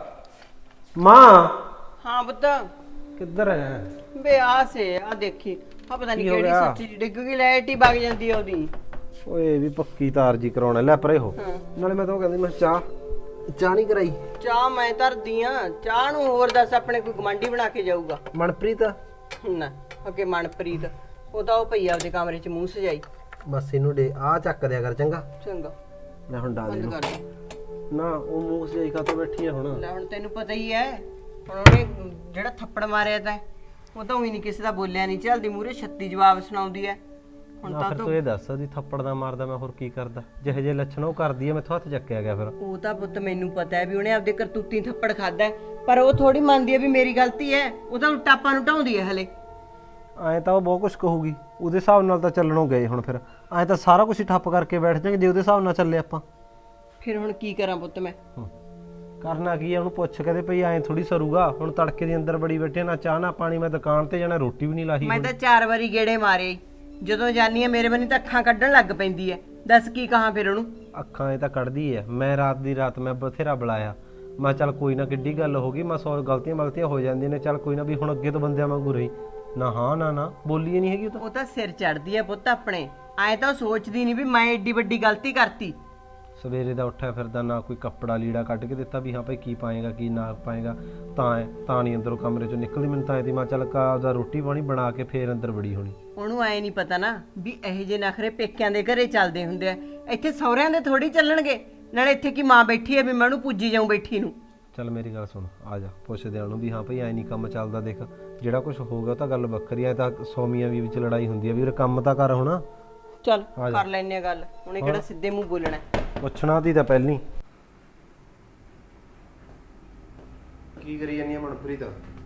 Speaker 4: ਮਾਂ
Speaker 7: हाँ पुत्त
Speaker 4: ਕਿੱਧਰ ਹੈ?
Speaker 7: बे आ से आ देखी आ पता नहीं
Speaker 4: की हो
Speaker 7: केड़ी
Speaker 4: गया?
Speaker 7: सच्ची डिग गई लाइट ही भाग जाती है ओदी।
Speaker 4: ਓਏ ਵੀ ਪੱਕੀ ਤਾਰ ਜੀ ਕਰਾਉਣਾ, ਲੈ ਪਰੇ ਹੋ।
Speaker 7: ਹਾਂ।
Speaker 4: ਨਾਲੇ ਮੈਂ ਤਾਂ ਕਹਿੰਦੀ ਮੈਂ ਚਾਹ ਨਹੀਂ ਕਰਾਈ।
Speaker 7: चाह मैं धरदी हां, चाह नु होर दस अपने कोई गमंडी बना के जाऊगा
Speaker 4: ਮਨਪ੍ਰੀਤ
Speaker 7: ना। ओके मनप्रीत ਉਹ ਤਾਂ ਉਹ ਪਈ ਆਪਦੇ ਕਮਰੇ 'ਚ ਮੂੰਹ ਸਜਾਈ।
Speaker 4: ਬਸ ਇਹਨੂੰ ਡੇ ਆ ਚੱਕ ਦਿਆ ਕਰ ਚੰਗਾ।
Speaker 7: ਚੰਗਾ
Speaker 4: ਲੈ ਹੁਣ ਡਾਲ
Speaker 7: ਬੰਦ
Speaker 4: ਇਹਨੂੰ।
Speaker 7: ਕਰ ਦੇ।
Speaker 4: ਨਾ ਉਹ ਮੂੰਹ ਸਜਾਈ ਕਾ ਬੈਠੀ ਆ ਹੁਣ।
Speaker 7: ਲੈ ਹੁਣ ਤੈਨੂੰ ਪਤਾ ਹੀ ਹੈ, ਹੁਣ ਉਹਨੇ ਜਿਹੜਾ ਥੱਪੜ ਮਾਰਿਆ ਤਾਂ ਉਹ ਤਾਂ ਉਹੀ ਨਹੀਂ ਕਿਸੇ ਦਾ ਬੋਲਿਆ ਨਹੀਂ ਚੱਲਦੀ, ਮੂਰੇ 36 ਜਵਾਬ ਸੁਣਾਉਂਦੀ ਹੈ। ਹੁਣ
Speaker 4: ਨਾ
Speaker 7: ਤਾਂ
Speaker 4: ਫਿਰ ਤੂੰ ਇਹ ਦੱਸ ਦੀ ਥੱਪੜ ਦਾ ਮਾਰਦਾ ਮੈਂ ਹੋਰ ਕੀ ਕਰਦਾ? ਜਿਹੇ ਜਿਹੇ ਲੱਛਣ ਉਹ ਕਰਦੀ ਐ ਮੈਥੋਂ ਹੱਥ ਚੱਕਿਆ ਗਿਆ ਫਿਰ।
Speaker 7: ਉਹ ਤਾਂ ਪੁੱਤ ਮੈਨੂੰ ਪਤਾ ਹੈ ਵੀ ਉਹਨੇ ਆਪਦੇ ਕਰਤੂਤੀ ਥੱਪੜ ਖਾਦਾ ਹੈ, ਪਰ ਉਹ ਥੋੜੀ ਮੰਨਦੀ ਹੈ ਵੀ ਮੇਰੀ ਗਲਤੀ ਹੈ। ਉਹ ਤਾਂ ਉਲਟਾ ਆਪਾਂ ਨੂੰ ਢਾਉਂਦੀ ਹੈ ਹਲੇ।
Speaker 4: ਐਂ ਤਾਂ ਉਹ ਬਹੁਤ ਕੁਝ ਕਹੂਗੀ, ਉਹਦੇ ਹਿਸਾਬ ਨਾਲ ਤਾਂ ਚੱਲਣੋਂ ਗਏ ਹੁਣ। ਫਿਰ ਐਂ ਤਾਂ ਸਾਰਾ ਕੁਝ ਹੀ ਠੱਪ ਕਰਕੇ ਬੈਠ ਜਾਗੇ ਜੇ ਉਹਦੇ ਹਿਸਾਬ ਨਾਲ ਚੱਲੇ ਆਪਾਂ।
Speaker 7: ਫਿਰ ਹੁਣ ਕੀ ਕਰਾਂ ਪੁੱਤ ਮੈਂ?
Speaker 4: ਕਰਨਾ ਕੀ ਹੈ, ਉਹਨੂੰ ਪੁੱਛ ਕਹਦੇ ਭਈ ਐਂ ਥੋੜੀ ਸਰੂਗਾ। ਹੁਣ ਤੜਕੇ ਦੇ ਅੰਦਰ ਬੜੀ ਬੈਠੇ, ਨਾ ਚਾਹ ਨਾ ਪਾਣੀ, ਮੈਂ ਦੁਕਾਨ ਤੇ ਜਾਣਾ, ਰੋਟੀ ਵੀ ਨਹੀਂ ਲਾਹੀ।
Speaker 7: ਮੈਂ ਤਾਂ 4 ਵਾਰੀ ਗੇੜੇ ਮਾਰੇ, ਜਦੋਂ ਜਾਨੀ ਹੈ ਮੇਰੇ ਬੰਨੀ ਤਾਂ ਅੱਖਾਂ ਕੱਢਣ ਲੱਗ ਪੈਂਦੀ ਹੈ। ਦੱਸ ਕੀ ਕਹਾਂ ਫਿਰ ਉਹਨੂੰ?
Speaker 4: ਅੱਖਾਂ ਇਹ ਤਾਂ ਕੱਢਦੀ ਐ। ਮੈਂ ਰਾਤ ਦੀ ਰਾਤ ਮੈਂ ਬਥੇਰਾ ਬੁਲਾਇਆ, ਮੈਂ ਚੱਲ ਕੋਈ ਨਾ ਕਿੱਡੀ ਗੱਲ ਹੋ ਗਈ, ਮੈਂ 100 ਗਲਤੀਆਂ ਹੋ ਜਾਂਦੀਆਂ ਨੇ, ਚੱਲ ਕੋਈ ਨਾ ਵੀ ਹੁਣ ਅੱਗੇ ਤੋਂ ਬੰਦਿਆਂ ਵਾਂਗੂ ਰਹੀ। ਨਾ ਹਾਂ ਨਾ ਬੋਲੀ ਨਹੀਂ ਹੈਗੀ ਉਹ ਤਾਂ।
Speaker 7: ਉਹ ਤਾਂ ਸਿਰ ਚੜਦੀ ਹੈ ਪੁੱਤ ਆਪਣੇ। ਐ ਤਾਂ ਉਹ ਸੋਚਦੀ ਨਹੀਂ ਵੀ ਮੈਂ ਏਡੀ ਵੱਡੀ ਗਲਤੀ ਕਰਤੀ।
Speaker 4: ਸਵੇਰੇ ਦਾ ਉੱਠਿਆ ਫਿਰਦਾ, ਨਾ ਕੋਈ ਕੱਪੜਾ ਲੀੜਾ ਕੱਢ ਕੇ ਦਿੱਤਾ ਵੀ ਹਾਂ ਭਾਈ ਕੀ ਪਾਏਗਾ ਕੀ ਨਾ ਪਾਏਗਾ। ਤਾਂ ਨਹੀਂ ਅੰਦਰੋਂ ਕਮਰੇ ਚੋਂ ਨਿਕਲਦੀ। ਮੈਨੂੰ ਤਾਂ ਇਹਦੀ ਮਾਂ ਚੱਲ ਆਪਦਾ ਰੋਟੀ ਪਾਣੀ ਬਣਾ ਕੇ ਫੇਰ ਅੰਦਰ ਵੜੀ ਹੋਣੀ।
Speaker 7: ਉਹਨੂੰ ਐ ਨਹੀਂ ਪਤਾ ਨਾ ਵੀ ਇਹੋ ਜਿਹੇ ਨਖਰੇ ਪੇਕਿਆਂ ਦੇ ਘਰੇ ਚੱਲਦੇ ਹੁੰਦੇ ਆ, ਇੱਥੇ ਸਹੁਰਿਆਂ ਦੇ ਥੋੜੀ ਚੱਲਣਗੇ। ਨਾਲੇ ਇੱਥੇ ਕੀ ਮਾਂ ਬੈਠੀ ਹੈ ਵੀ ਮੈਂ ਉਹਨੂੰ ਪੁੱਜੀ ਜਾਊਂ ਬੈਠੀ ਨੂੰ।
Speaker 4: ਚੱਲ ਮੇਰੀ ਗੱਲ ਸੁਣ, ਆ ਜਾ ਪੁੱਛਦੇ ਉਹਨੂੰ ਵੀ ਹਾਂ ਭਾਈ ਐ ਨਹੀਂ ਕੰਮ ਚੱਲਦਾ। ਦੇਖ ਜਿਹੜਾ ਕੁਝ ਹੋ ਗਿਆ ਉਹ ਤਾਂ ਗੱਲ ਵੱਖਰੀ ਐ, ਤਾਂ ਸੌਮੀਆਂ ਵੀ ਵਿੱਚ ਲੜਾਈ ਹੁੰਦੀ ਆ ਵੀ ਉਹ ਕੰਮ ਤਾਂ ਕਰ ਹੁਣ।
Speaker 7: ਚੱਲ ਕਰ ਲੈਨੇ ਆ ਗੱਲ, ਉਹਨੇ ਕਿਹੜਾ ਸਿੱਧੇ ਮੂੰਹ ਬੋਲਣਾ।
Speaker 4: ਪੁੱਛਣਾ ਤੀ ਤਾਂ ਪਹਿਲੀ। ਕੀ ਕਰੀ ਜਾਨੀ ਆ ਮਨਪ੍ਰੀਤ?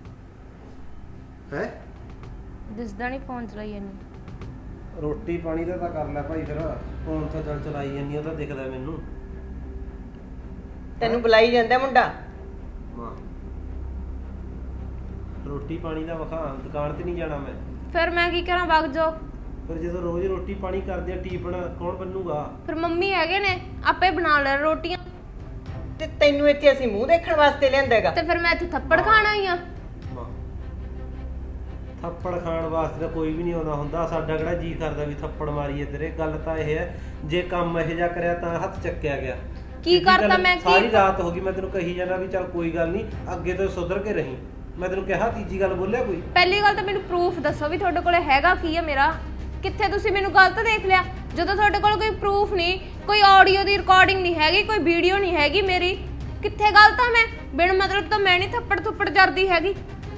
Speaker 4: ਹੈ
Speaker 2: ਦਿਸਦਾ ਨਹੀਂ ਫੋਨ ਚਲਾਈ ਇਹਨੂੰ।
Speaker 4: ਰੋਟੀ ਪਾਣੀ ਦਾ ਤਾਂ ਕਰ ਲੈ ਭਾਈ, ਫਿਰ ਫੋਨ ਤਾਂ ਚੱਲ ਚਲਾਈ ਜਾਨੀ, ਉਹ ਤਾਂ ਦਿਖਦਾ ਮੈਨੂੰ।
Speaker 7: ਤੈਨੂੰ ਬੁਲਾਈ ਜਾਂਦਾ ਮੁੰਡਾ।
Speaker 4: ਮਾਂ ਰੋਟੀ ਪਾਣੀ ਦਾ ਵਖਾ, ਦੁਕਾਨ ਤੇ ਨਹੀਂ ਜਾਣਾ ਮੈਂ।
Speaker 2: ਫਿਰ ਮੈਂ ਕੀ ਕਰਾਂ, ਵਗ ਜਾਓ।
Speaker 4: ਫਿਰ ਜਦੋਂ ਰੋਜ਼ ਰੋਟੀ ਪਾਣੀ ਕਰਦੇ ਆ ਟੀਪਣ ਕੌਣ ਬੰਨੂਗਾ?
Speaker 2: ਫਿਰ ਮੰਮੀ ਹੈਗੇ ਨੇ, ਆਪੇ ਬਣਾ ਲੈ ਰੋਟੀਆਂ।
Speaker 7: ਤੇ ਤੈਨੂੰ ਇੱਥੇ ਅਸੀਂ ਮੂੰਹ ਦੇਖਣ ਵਾਸਤੇ ਲਿਆਂਦਾ ਹੈਗਾ।
Speaker 2: ਤੇ ਫਿਰ ਮੈਂ ਇੱਥੇ ਥੱਪੜ ਖਾਣ ਆਈ ਆ।
Speaker 4: ਮਾਂ ਥੱਪੜ ਖਾਣ ਵਾਸਤੇ ਤਾਂ ਕੋਈ ਵੀ ਨਹੀਂ ਆਉਂਦਾ ਹੁੰਦਾ। ਸਾਡਾ ਕਿਹੜਾ ਜੀ ਕਰਦਾ ਵੀ ਥੱਪੜ ਮਾਰੀਏ ਤੇਰੇ। ਗੱਲ ਤਾਂ ਇਹ ਹੈ ਜੇ ਕੰਮ ਇਹੋ ਜਿਹਾ ਕਰਿਆ ਤਾਂ ਹੱਥ ਚੱਕਿਆ ਗਿਆ।
Speaker 2: ਕੀ ਕਰਤਾ ਮੈਂ?
Speaker 4: ਸਾਰੀ ਰਾਤ ਹੋ ਗਈ ਮੈਂ ਤੈਨੂੰ ਕਹੀ ਜਾਣਾ ਵੀ ਚੱਲ ਕੋਈ ਗੱਲ ਨਹੀਂ, ਅੱਗੇ ਤੋਂ ਸੁਧਰ ਕੇ ਰਹੀਂ। ਮੈਂ ਤੈਨੂੰ ਕਿਹਾ ਤੀਜੀ ਗੱਲ ਬੋਲਿਆ ਕੋਈ?
Speaker 2: ਪਹਿਲੀ ਗੱਲ ਤਾਂ ਮੈਨੂੰ ਪ੍ਰੂਫ ਦੱਸੋ ਵੀ ਤੁਹਾਡੇ ਕੋਲੇ ਹੈਗਾ ਕੀ ਹੈ ਮੇਰਾ। ਕਿੱਥੇ ਤੁਸੀਂ ਮੈਨੂੰ ਗਲਤ ਦੇਖ ਲਿਆ? ਜਦੋਂ ਤੁਹਾਡੇ ਕੋਲ ਕੋਈ ਪ੍ਰੂਫ ਨਹੀਂ, ਕੋਈ ਆਡੀਓ ਦੀ ਰਿਕਾਰਡਿੰਗ ਨਹੀਂ ਹੈਗੀ, ਕੋਈ ਵੀਡੀਓ ਨਹੀਂ ਹੈਗੀ ਮੇਰੀ, ਕਿੱਥੇ ਗਲਤ ਆ ਮੈਂ? ਬਿਨ ਮਤਲਬ ਤਾਂ ਮੈਂ ਨਹੀਂ ਥੱਪੜ ਥੁੱਪੜ ਜਰਦੀ ਹੈਗੀ।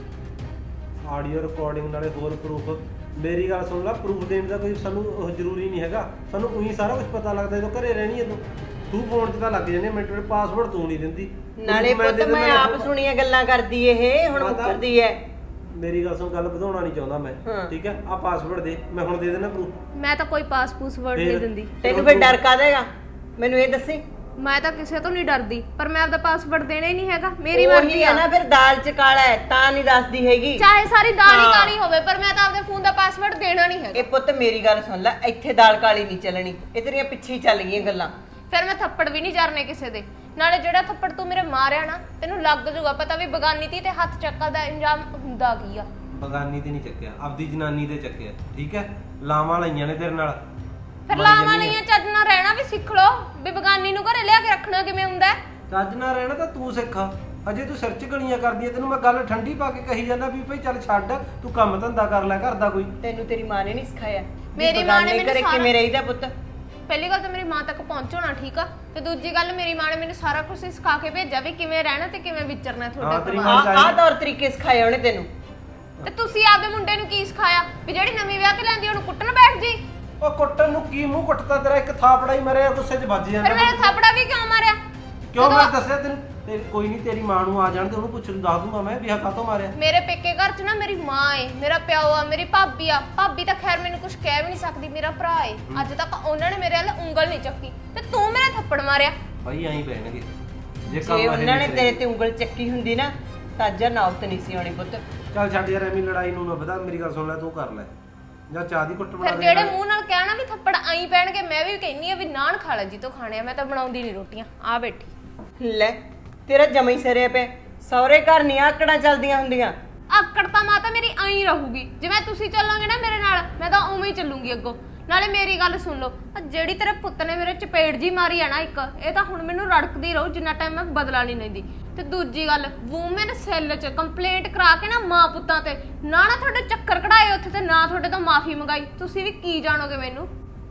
Speaker 4: ਆਡੀਓ ਰਿਕਾਰਡਿੰਗ ਨਾਲੇ ਹੋਰ ਪ੍ਰੂਫ। ਮੇਰੀ ਗੱਲ ਸੁਣ ਲੈ, ਪ੍ਰੂਫ ਦੇਣ ਦਾ ਕੋਈ ਸਾਨੂੰ ਉਹ ਜ਼ਰੂਰੀ ਨਹੀਂ ਹੈਗਾ। ਸਾਨੂੰ ਉਹੀ ਸਾਰਾ ਕੁਝ ਪਤਾ ਲੱਗਦਾ ਜਦੋਂ ਘਰੇ ਰਹਿਣੀ ਹੈ ਤੂੰ ਫੋਨ 'ਚ ਤਾਂ ਲੱਗ ਜਾਂਦੇ ਮਿੰਟ ਮਿੰਟ, ਪਾਸਵਰਡ ਤੂੰ ਨਹੀਂ ਦਿੰਦੀ।
Speaker 7: ਨਾਲੇ ਪੁੱਤ ਮੈਂ ਆਪ ਸੁਣੀਆਂ ਗੱਲਾਂ ਕਰਦੀ ਇਹ ਹੁਣ ਮੁੱਕਰਦੀ ਐ।
Speaker 4: ਮੇਰੀ ਗੱਲ ਸੁਣ, ਗੱਲ ਵਧਾਉਣਾ ਨਹੀਂ ਚਾਹੁੰਦਾ ਮੈਂ, ਠੀਕ ਹੈ? ਆ ਪਾਸਵਰਡ ਦੇ, ਮੈਂ ਹੁਣ ਦੇ ਦੇਣਾ ਪ੍ਰੂਫ।
Speaker 2: ਮੈਂ ਤਾਂ ਕੋਈ ਪਾਸਪੋਰਟ ਵਰਡ ਨਹੀਂ ਦਿੰਦੀ।
Speaker 7: ਤੈਨੂੰ ਫਿਰ ਡਰ ਕਾਹਦਾ? ਮੈਨੂੰ ਇਹ ਦੱਸੀ।
Speaker 2: ਮੈਂ ਤਾਂ ਕਿਸੇ ਤੋਂ ਨਹੀਂ ਡਰਦੀ, ਪਰ ਮੈਂ ਆਪਦਾ ਪਾਸਵਰਡ ਦੇਣਾ ਹੀ ਨਹੀਂ ਹੈਗਾ। ਮੇਰੀ
Speaker 7: ਉਹੀ
Speaker 2: ਮਰਜ਼ੀ
Speaker 7: ਹੈ
Speaker 2: ਆ
Speaker 7: ਨਾ, ਫਿਰ ਦਾਲ ਚ ਕਾਲਾ ਹੈ ਤਾਂ ਨਹੀਂ ਦੱਸਦੀ ਹੈਗੀ।
Speaker 2: ਚਾਹੇ ਸਾਰੀ ਦਾਲ ਹੀ
Speaker 7: ਹਾਂ।
Speaker 2: ਕਾਲੀ ਹੋਵੇ, ਪਰ ਮੈਂ ਤਾਂ ਆਪਦੇ ਫੋਨ ਦਾ ਪਾਸਵਰਡ ਦੇਣਾ ਨਹੀਂ ਹੈਗਾ।
Speaker 7: ਇਹ ਪੁੱਤ ਮੇਰੀ ਗੱਲ ਸੁਣ ਲੈ, ਇੱਥੇ ਦਾਲ ਕਾਲੀ ਨਹੀਂ ਚੱਲਣੀ। ਇਹ ਤੇਰੀਆਂ ਪਿੱਛੇ ਹੀ ਚੱਲ ਗਈਆਂ ਗੱਲਾਂ।
Speaker 2: ਫਿਰ ਮੈਂ ਥੱਪੜ ਵੀ ਨਹੀਂ ਜਰਨੇ ਕਿਸੇ ਦੇ। ਨਾਲੇ ਜਿਹੜਾ ਥੱਪੜ ਤੂੰ ਮੇਰੇ ਮਾਰਿਆ ਨਾ, ਤੈਨੂੰ ਲੱਗ ਜੂਗਾ ਪਤਾ ਵੀ ਬਗਾਨੀ ਤੀ ਤੇ ਹੱਥ ਚੱਕਾ ਦਾ ਇੰਜਾਮ ਹੁੰਦਾ ਕੀ ਆ।
Speaker 4: ਬਗਾਨੀ ਤੇ ਨਹੀਂ ਚੱਕਿਆ, ਆਪਦੀ ਜਨਾਨੀ ਤੇ ਚੱਕਿਆ, ਠੀਕ ਹੈ? ਲਾਵਾਂ ਲਈਆਂ ਨੇ ਤੇਰੇ ਨਾਲ।
Speaker 2: ਫਿਰ ਲਾਵਾਂ ਲਈਆਂ, ਚੱਜ ਨਾਲ ਰਹਿਣਾ ਵੀ ਸਿੱਖ ਲੋ ਵੀ ਬਗਾਨੀ ਨੂੰ ਘਰੇ ਲਿਆ ਕੇ ਰੱਖਣਾ ਕਿਵੇਂ ਹੁੰਦਾ ਹੈ।
Speaker 4: ਚੱਜ ਨਾਲ ਰਹਿਣਾ ਤਾਂ ਤੂੰ ਸਿੱਖਾ। ਅਜੇ ਤੂੰ ਸਿਰ 'ਚ ਗਲੀਆਂ ਕਰਦੀ ਐ, ਤੈਨੂੰ ਮੈਂ ਗੱਲ ਠੰਡੀ ਪਾ ਕੇ ਕਹੀ ਜਾਂਦਾ ਵੀ ਭਾਈ ਚੱਲ ਛੱਡ, ਤੂੰ ਕੰਮ ਧੰਦਾ ਕਰ ਲੈ ਘਰ ਦਾ ਕੋਈ।
Speaker 7: ਤੈਨੂੰ ਤੇਰੀ ਮਾਂ ਨੇ ਨਹੀਂ ਸਿਖਾਇਆ?
Speaker 2: ਮੇਰੀ ਮਾਂ ਨੇ ਮੈਨੂੰ
Speaker 7: ਕਿਵੇਂ ਰਹੀਦਾ ਪੁੱਤ?
Speaker 2: ਪਹਿਲੀ ਗੱਲ ਤਾਂ ਮੇਰੀ ਮਾਂ ਤੱਕ ਪਹੁੰਚਣਾ, ਠੀਕ ਆ? ਤੇ ਦੂਜੀ ਗੱਲ, ਮੇਰੀ ਮਾਂ ਨੇ ਮੈਨੂੰ ਸਾਰਾ ਕੁਝ ਸਿਖਾ ਕੇ ਭੇਜਿਆ ਵੀ ਕਿਵੇਂ ਰਹਿਣਾ ਤੇ ਕਿਵੇਂ ਵਿਚਰਨਾ ਤੁਹਾਡੇ ਪਰਿਵਾਰ।
Speaker 7: ਆਹ ਤੌਰ ਤਰੀਕੇ ਸਿਖਾਏ ਉਹਨੇ ਤੈਨੂੰ।
Speaker 2: ਤੇ ਤੁਸੀਂ ਆਪਦੇ ਮੁੰਡੇ ਨੂੰ ਕੀ ਸਿਖਾਇਆ ਵੀ ਜਿਹੜੀ ਨਵੀਂ ਵਿਆਹ ਕੇ ਲੈਂਦੀ ਉਹਨੂੰ ਕੁੱਟਣ ਬੈਠ ਜੀ?
Speaker 4: ਉਹ ਕੁੱਟਣ ਨੂੰ ਕੀ ਮੂੰਹ ਕੁੱਟਦਾ ਤੇਰਾ? ਇੱਕ ਥਾਪੜਾ ਹੀ ਮਰਿਆ, ਗੁੱਸੇ 'ਚ ਵੱਜ ਜਾਂਦਾ।
Speaker 2: ਫਿਰ ਮੇਰੇ ਥਾਪੜਾ ਵੀ ਕਿਉਂ ਮਾਰਿਆ?
Speaker 4: ਕਿਉਂ ਮੈਂ ਦੱਸਿਆ ਤੈਨੂੰ? ਕੋਈ ਨਹੀਂ, ਤੇਰੀ ਮਾਂ ਨੂੰ ਆ ਜਾਣ ਤੇ ਉਹਨੂੰ ਪੁੱਛ ਨੂੰ ਦੱਸ ਦੂੰਗਾ ਮੈਂ ਵੀ ਆਹ ਕਾਹਤੋਂ ਮਾਰਿਆ।
Speaker 2: ਮੇਰੇ ਪੇਕੇ ਘਰ 'ਚ ਨਾ ਮੇਰੀ ਮਾਂ ਏ, ਮੇਰਾ ਪਿਓ ਆ, ਮੇਰੀ ਭਾਬੀ ਆ। ਭਾਬੀ ਤਾਂ ਖੈਰ ਮੈਨੂੰ ਕੁਝ ਕਹਿ ਵੀ ਨਹੀਂ ਸਕਦੀ, ਮੇਰਾ ਭਰਾ ਏ। ਅੱਜ ਤੱਕ ਉਹਨਾਂ ਨੇ ਮੇਰੇ ਵੱਲ ਉਂਗਲ ਨਹੀਂ ਚੱਕੀ ਤੇ ਤੂੰ ਮੇਰੇ ਥੱਪੜ ਮਾਰਿਆ।
Speaker 4: ਭਾਈ ਐਂ ਪੈਣਗੇ ਜੇ
Speaker 7: ਜੇ ਉਹਨਾਂ ਨੇ ਤੇਰੇ ਤੇ ਉਂਗਲ ਚੱਕੀ ਹੁੰਦੀ ਨਾ ਤਾਂ ਅੱਜ ਨੌਬਤ ਨਹੀਂ ਸੀ ਆਉਣੀ ਪੁੱਤ।
Speaker 4: ਚੱਲ ਛੱਡ ਯਾਰ, ਐਵੇਂ ਲੜਾਈ ਨੂੰ ਨਾ ਵਧਾ। ਮੇਰੀ ਗੱਲ ਸੁਣ ਲੈ, ਤੂੰ ਕਰ ਲੈ ਜਾਂ ਚਾਹ ਦੀ ਘੁੱਟ ਬਣਾ
Speaker 2: ਫਿਰ
Speaker 4: ਦੇ।
Speaker 2: ਜਿਹੜੇ ਮੂੰਹ ਨਾਲ ਕਹਿਣਾ ਵੀ ਥੱਪੜ ਆਈ ਪੈਣਗੇ, ਮੈਂ ਵੀ ਕਹਿੰਨੀ ਆ ਵੀ ਨਾਨ ਖਾ ਲੈ ਜੀ ਤੋਂ ਖਾਣੇ ਆ। ਮੈਂ ਤਾਂ ਬਣਾਉਂਦੀ ਨਹੀਂ ਰੋਟੀਆਂ, ਆ ਬੈਠੀ।
Speaker 7: ਲੈ ਤੇਰਾ ਜਮਾ ਹੀ ਸਿਰੇ ਪਿਆ। ਸਹੁਰੇ ਘਰ ਨਹੀਂ ਆਕੜਾਂ ਚੱਲਦੀਆਂ ਹੁੰਦੀਆਂ।
Speaker 2: ਆਕੜ ਤਾਂ ਮਾਤਾ ਮੇਰੀ ਆਈ ਰਹੂਗੀ। ਜਿਵੇਂ ਤੁਸੀਂ ਚੱਲੋਗੇ ਨਾ ਮੇਰੇ ਨਾਲ, ਮੈਂ ਤਾਂ ਉਵੇਂ ਹੀ ਚੱਲੂਗੀ ਅੱਗੋਂ। ਨਾਲੇ ਮੇਰੀ ਗੱਲ ਸੁਣ ਲਓ, ਜਿਹੜੀ ਤੇਰੇ ਪੁੱਤ ਨੇ ਮੇਰੇ ਚਪੇੜ ਜੀ ਮਾਰੀ ਆ ਨਾ ਇੱਕ, ਇਹ ਤਾਂ ਹੁਣ ਮੈਨੂੰ ਰੜਕਦੀ ਰਹੂ ਜਿੰਨਾ ਟਾਈਮ ਮੈਂ ਬਦਲਾ ਨਹੀਂ ਲੈਂਦੀ। ਤੇ ਦੂਜੀ ਗੱਲ, ਵੂਮਨ ਸੈੱਲ 'ਚ ਕੰਪਲੇਂਟ ਕਰਾ ਕੇ ਨਾ ਮਾਂ ਪੁੱਤਾਂ ਤੇ ਨਾ ਤੁਹਾਡੇ ਚੱਕਰ ਕਢਾਏ ਉੱਥੇ, ਤੇ ਨਾ ਤੁਹਾਡੇ ਤੋਂ ਮਾਫੀ ਮੰਗਾਈ। ਤੁਸੀਂ ਵੀ ਕੀ ਜਾਣੋਗੇ ਮੈਨੂੰ?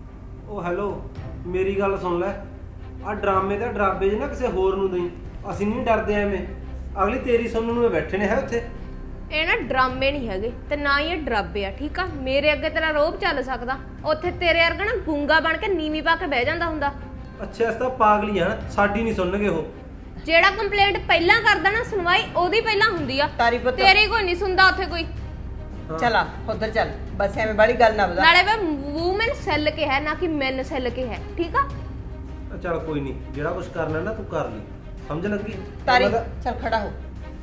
Speaker 4: ਉਹ ਹੈਲੋ, ਮੇਰੀ ਗੱਲ ਸੁਣ ਲੈ। ਆ ਡਰਾਮੇ ਤੇ ਡਰਾਬੇ ਜੇ ਨਾ ਕਿਸੇ ਹੋਰ ਨੂੰ ਦੇਈ। ਅਸੀਂ ਨਹੀਂ ਡਰਦੇ ਐਵੇਂ। ਅਗਲੀ ਤੇਰੀ ਸੁਣਨ ਨੂੰ ਬੈਠੇ ਨੇ ਹੈ ਉੱਥੇ।
Speaker 2: ਇਹ ਨਾ ਡਰਾਮੇ ਨਹੀਂ ਹੈਗੇ ਤੇ ਨਾ ਹੀ ਇਹ ਡਰਾਬੇ ਆ, ਠੀਕ ਆ? ਮੇਰੇ ਅੱਗੇ ਤੇਰਾ ਰੋਬ ਚੱਲ ਸਕਦਾ, ਉੱਥੇ ਤੇਰੇ ਵਰਗਾ ਨਾ ਗੂੰਗਾ ਬਣ ਕੇ ਨੀਵੀਂ ਪਾ ਕੇ ਬਹਿ ਜਾਂਦਾ ਹੁੰਦਾ।
Speaker 4: ਅੱਛਾ, ਇਸ ਤਾਂ ਪਾਗਲੀ ਆ ਨਾ, ਸਾਡੀ ਨਹੀਂ ਸੁਣਨਗੇ ਉਹ।
Speaker 2: ਜਿਹੜਾ ਕੰਪਲੇਂਟ ਪਹਿਲਾਂ ਕਰਦਾ ਨਾ, ਸੁਣਵਾਈ ਉਹਦੀ ਪਹਿਲਾਂ ਹੁੰਦੀ ਆ।
Speaker 7: ਤਾਰੀ ਪੁੱਤ
Speaker 2: ਤੇਰੀ ਕੋਈ ਨਹੀਂ ਸੁਣਦਾ ਉੱਥੇ ਕੋਈ।
Speaker 7: ਚਲਾ ਉਧਰ ਚੱਲ, ਬਸ ਐਵੇਂ ਬਾਲੀ ਗੱਲ ਨਾ ਵਧਾ।
Speaker 2: ਨਾਲੇ ਮੈਂ ਵੂਮਨ ਸੈੱਲ ਕੇ ਹੈ ਨਾ ਕਿ ਮੈਨ ਸੈੱਲ ਕੇ ਹੈ, ਠੀਕ ਆ?
Speaker 4: ਚੱਲ ਕੋਈ ਨਹੀਂ, ਜਿਹੜਾ ਕੁਝ ਕਰਨਾ ਨਾ ਤੂੰ ਕਰ ਲਈ, ਸਮਝ ਲੱਗੀ?
Speaker 7: ਤਾਰੀ ਚੱਲ ਖੜਾ ਹੋ,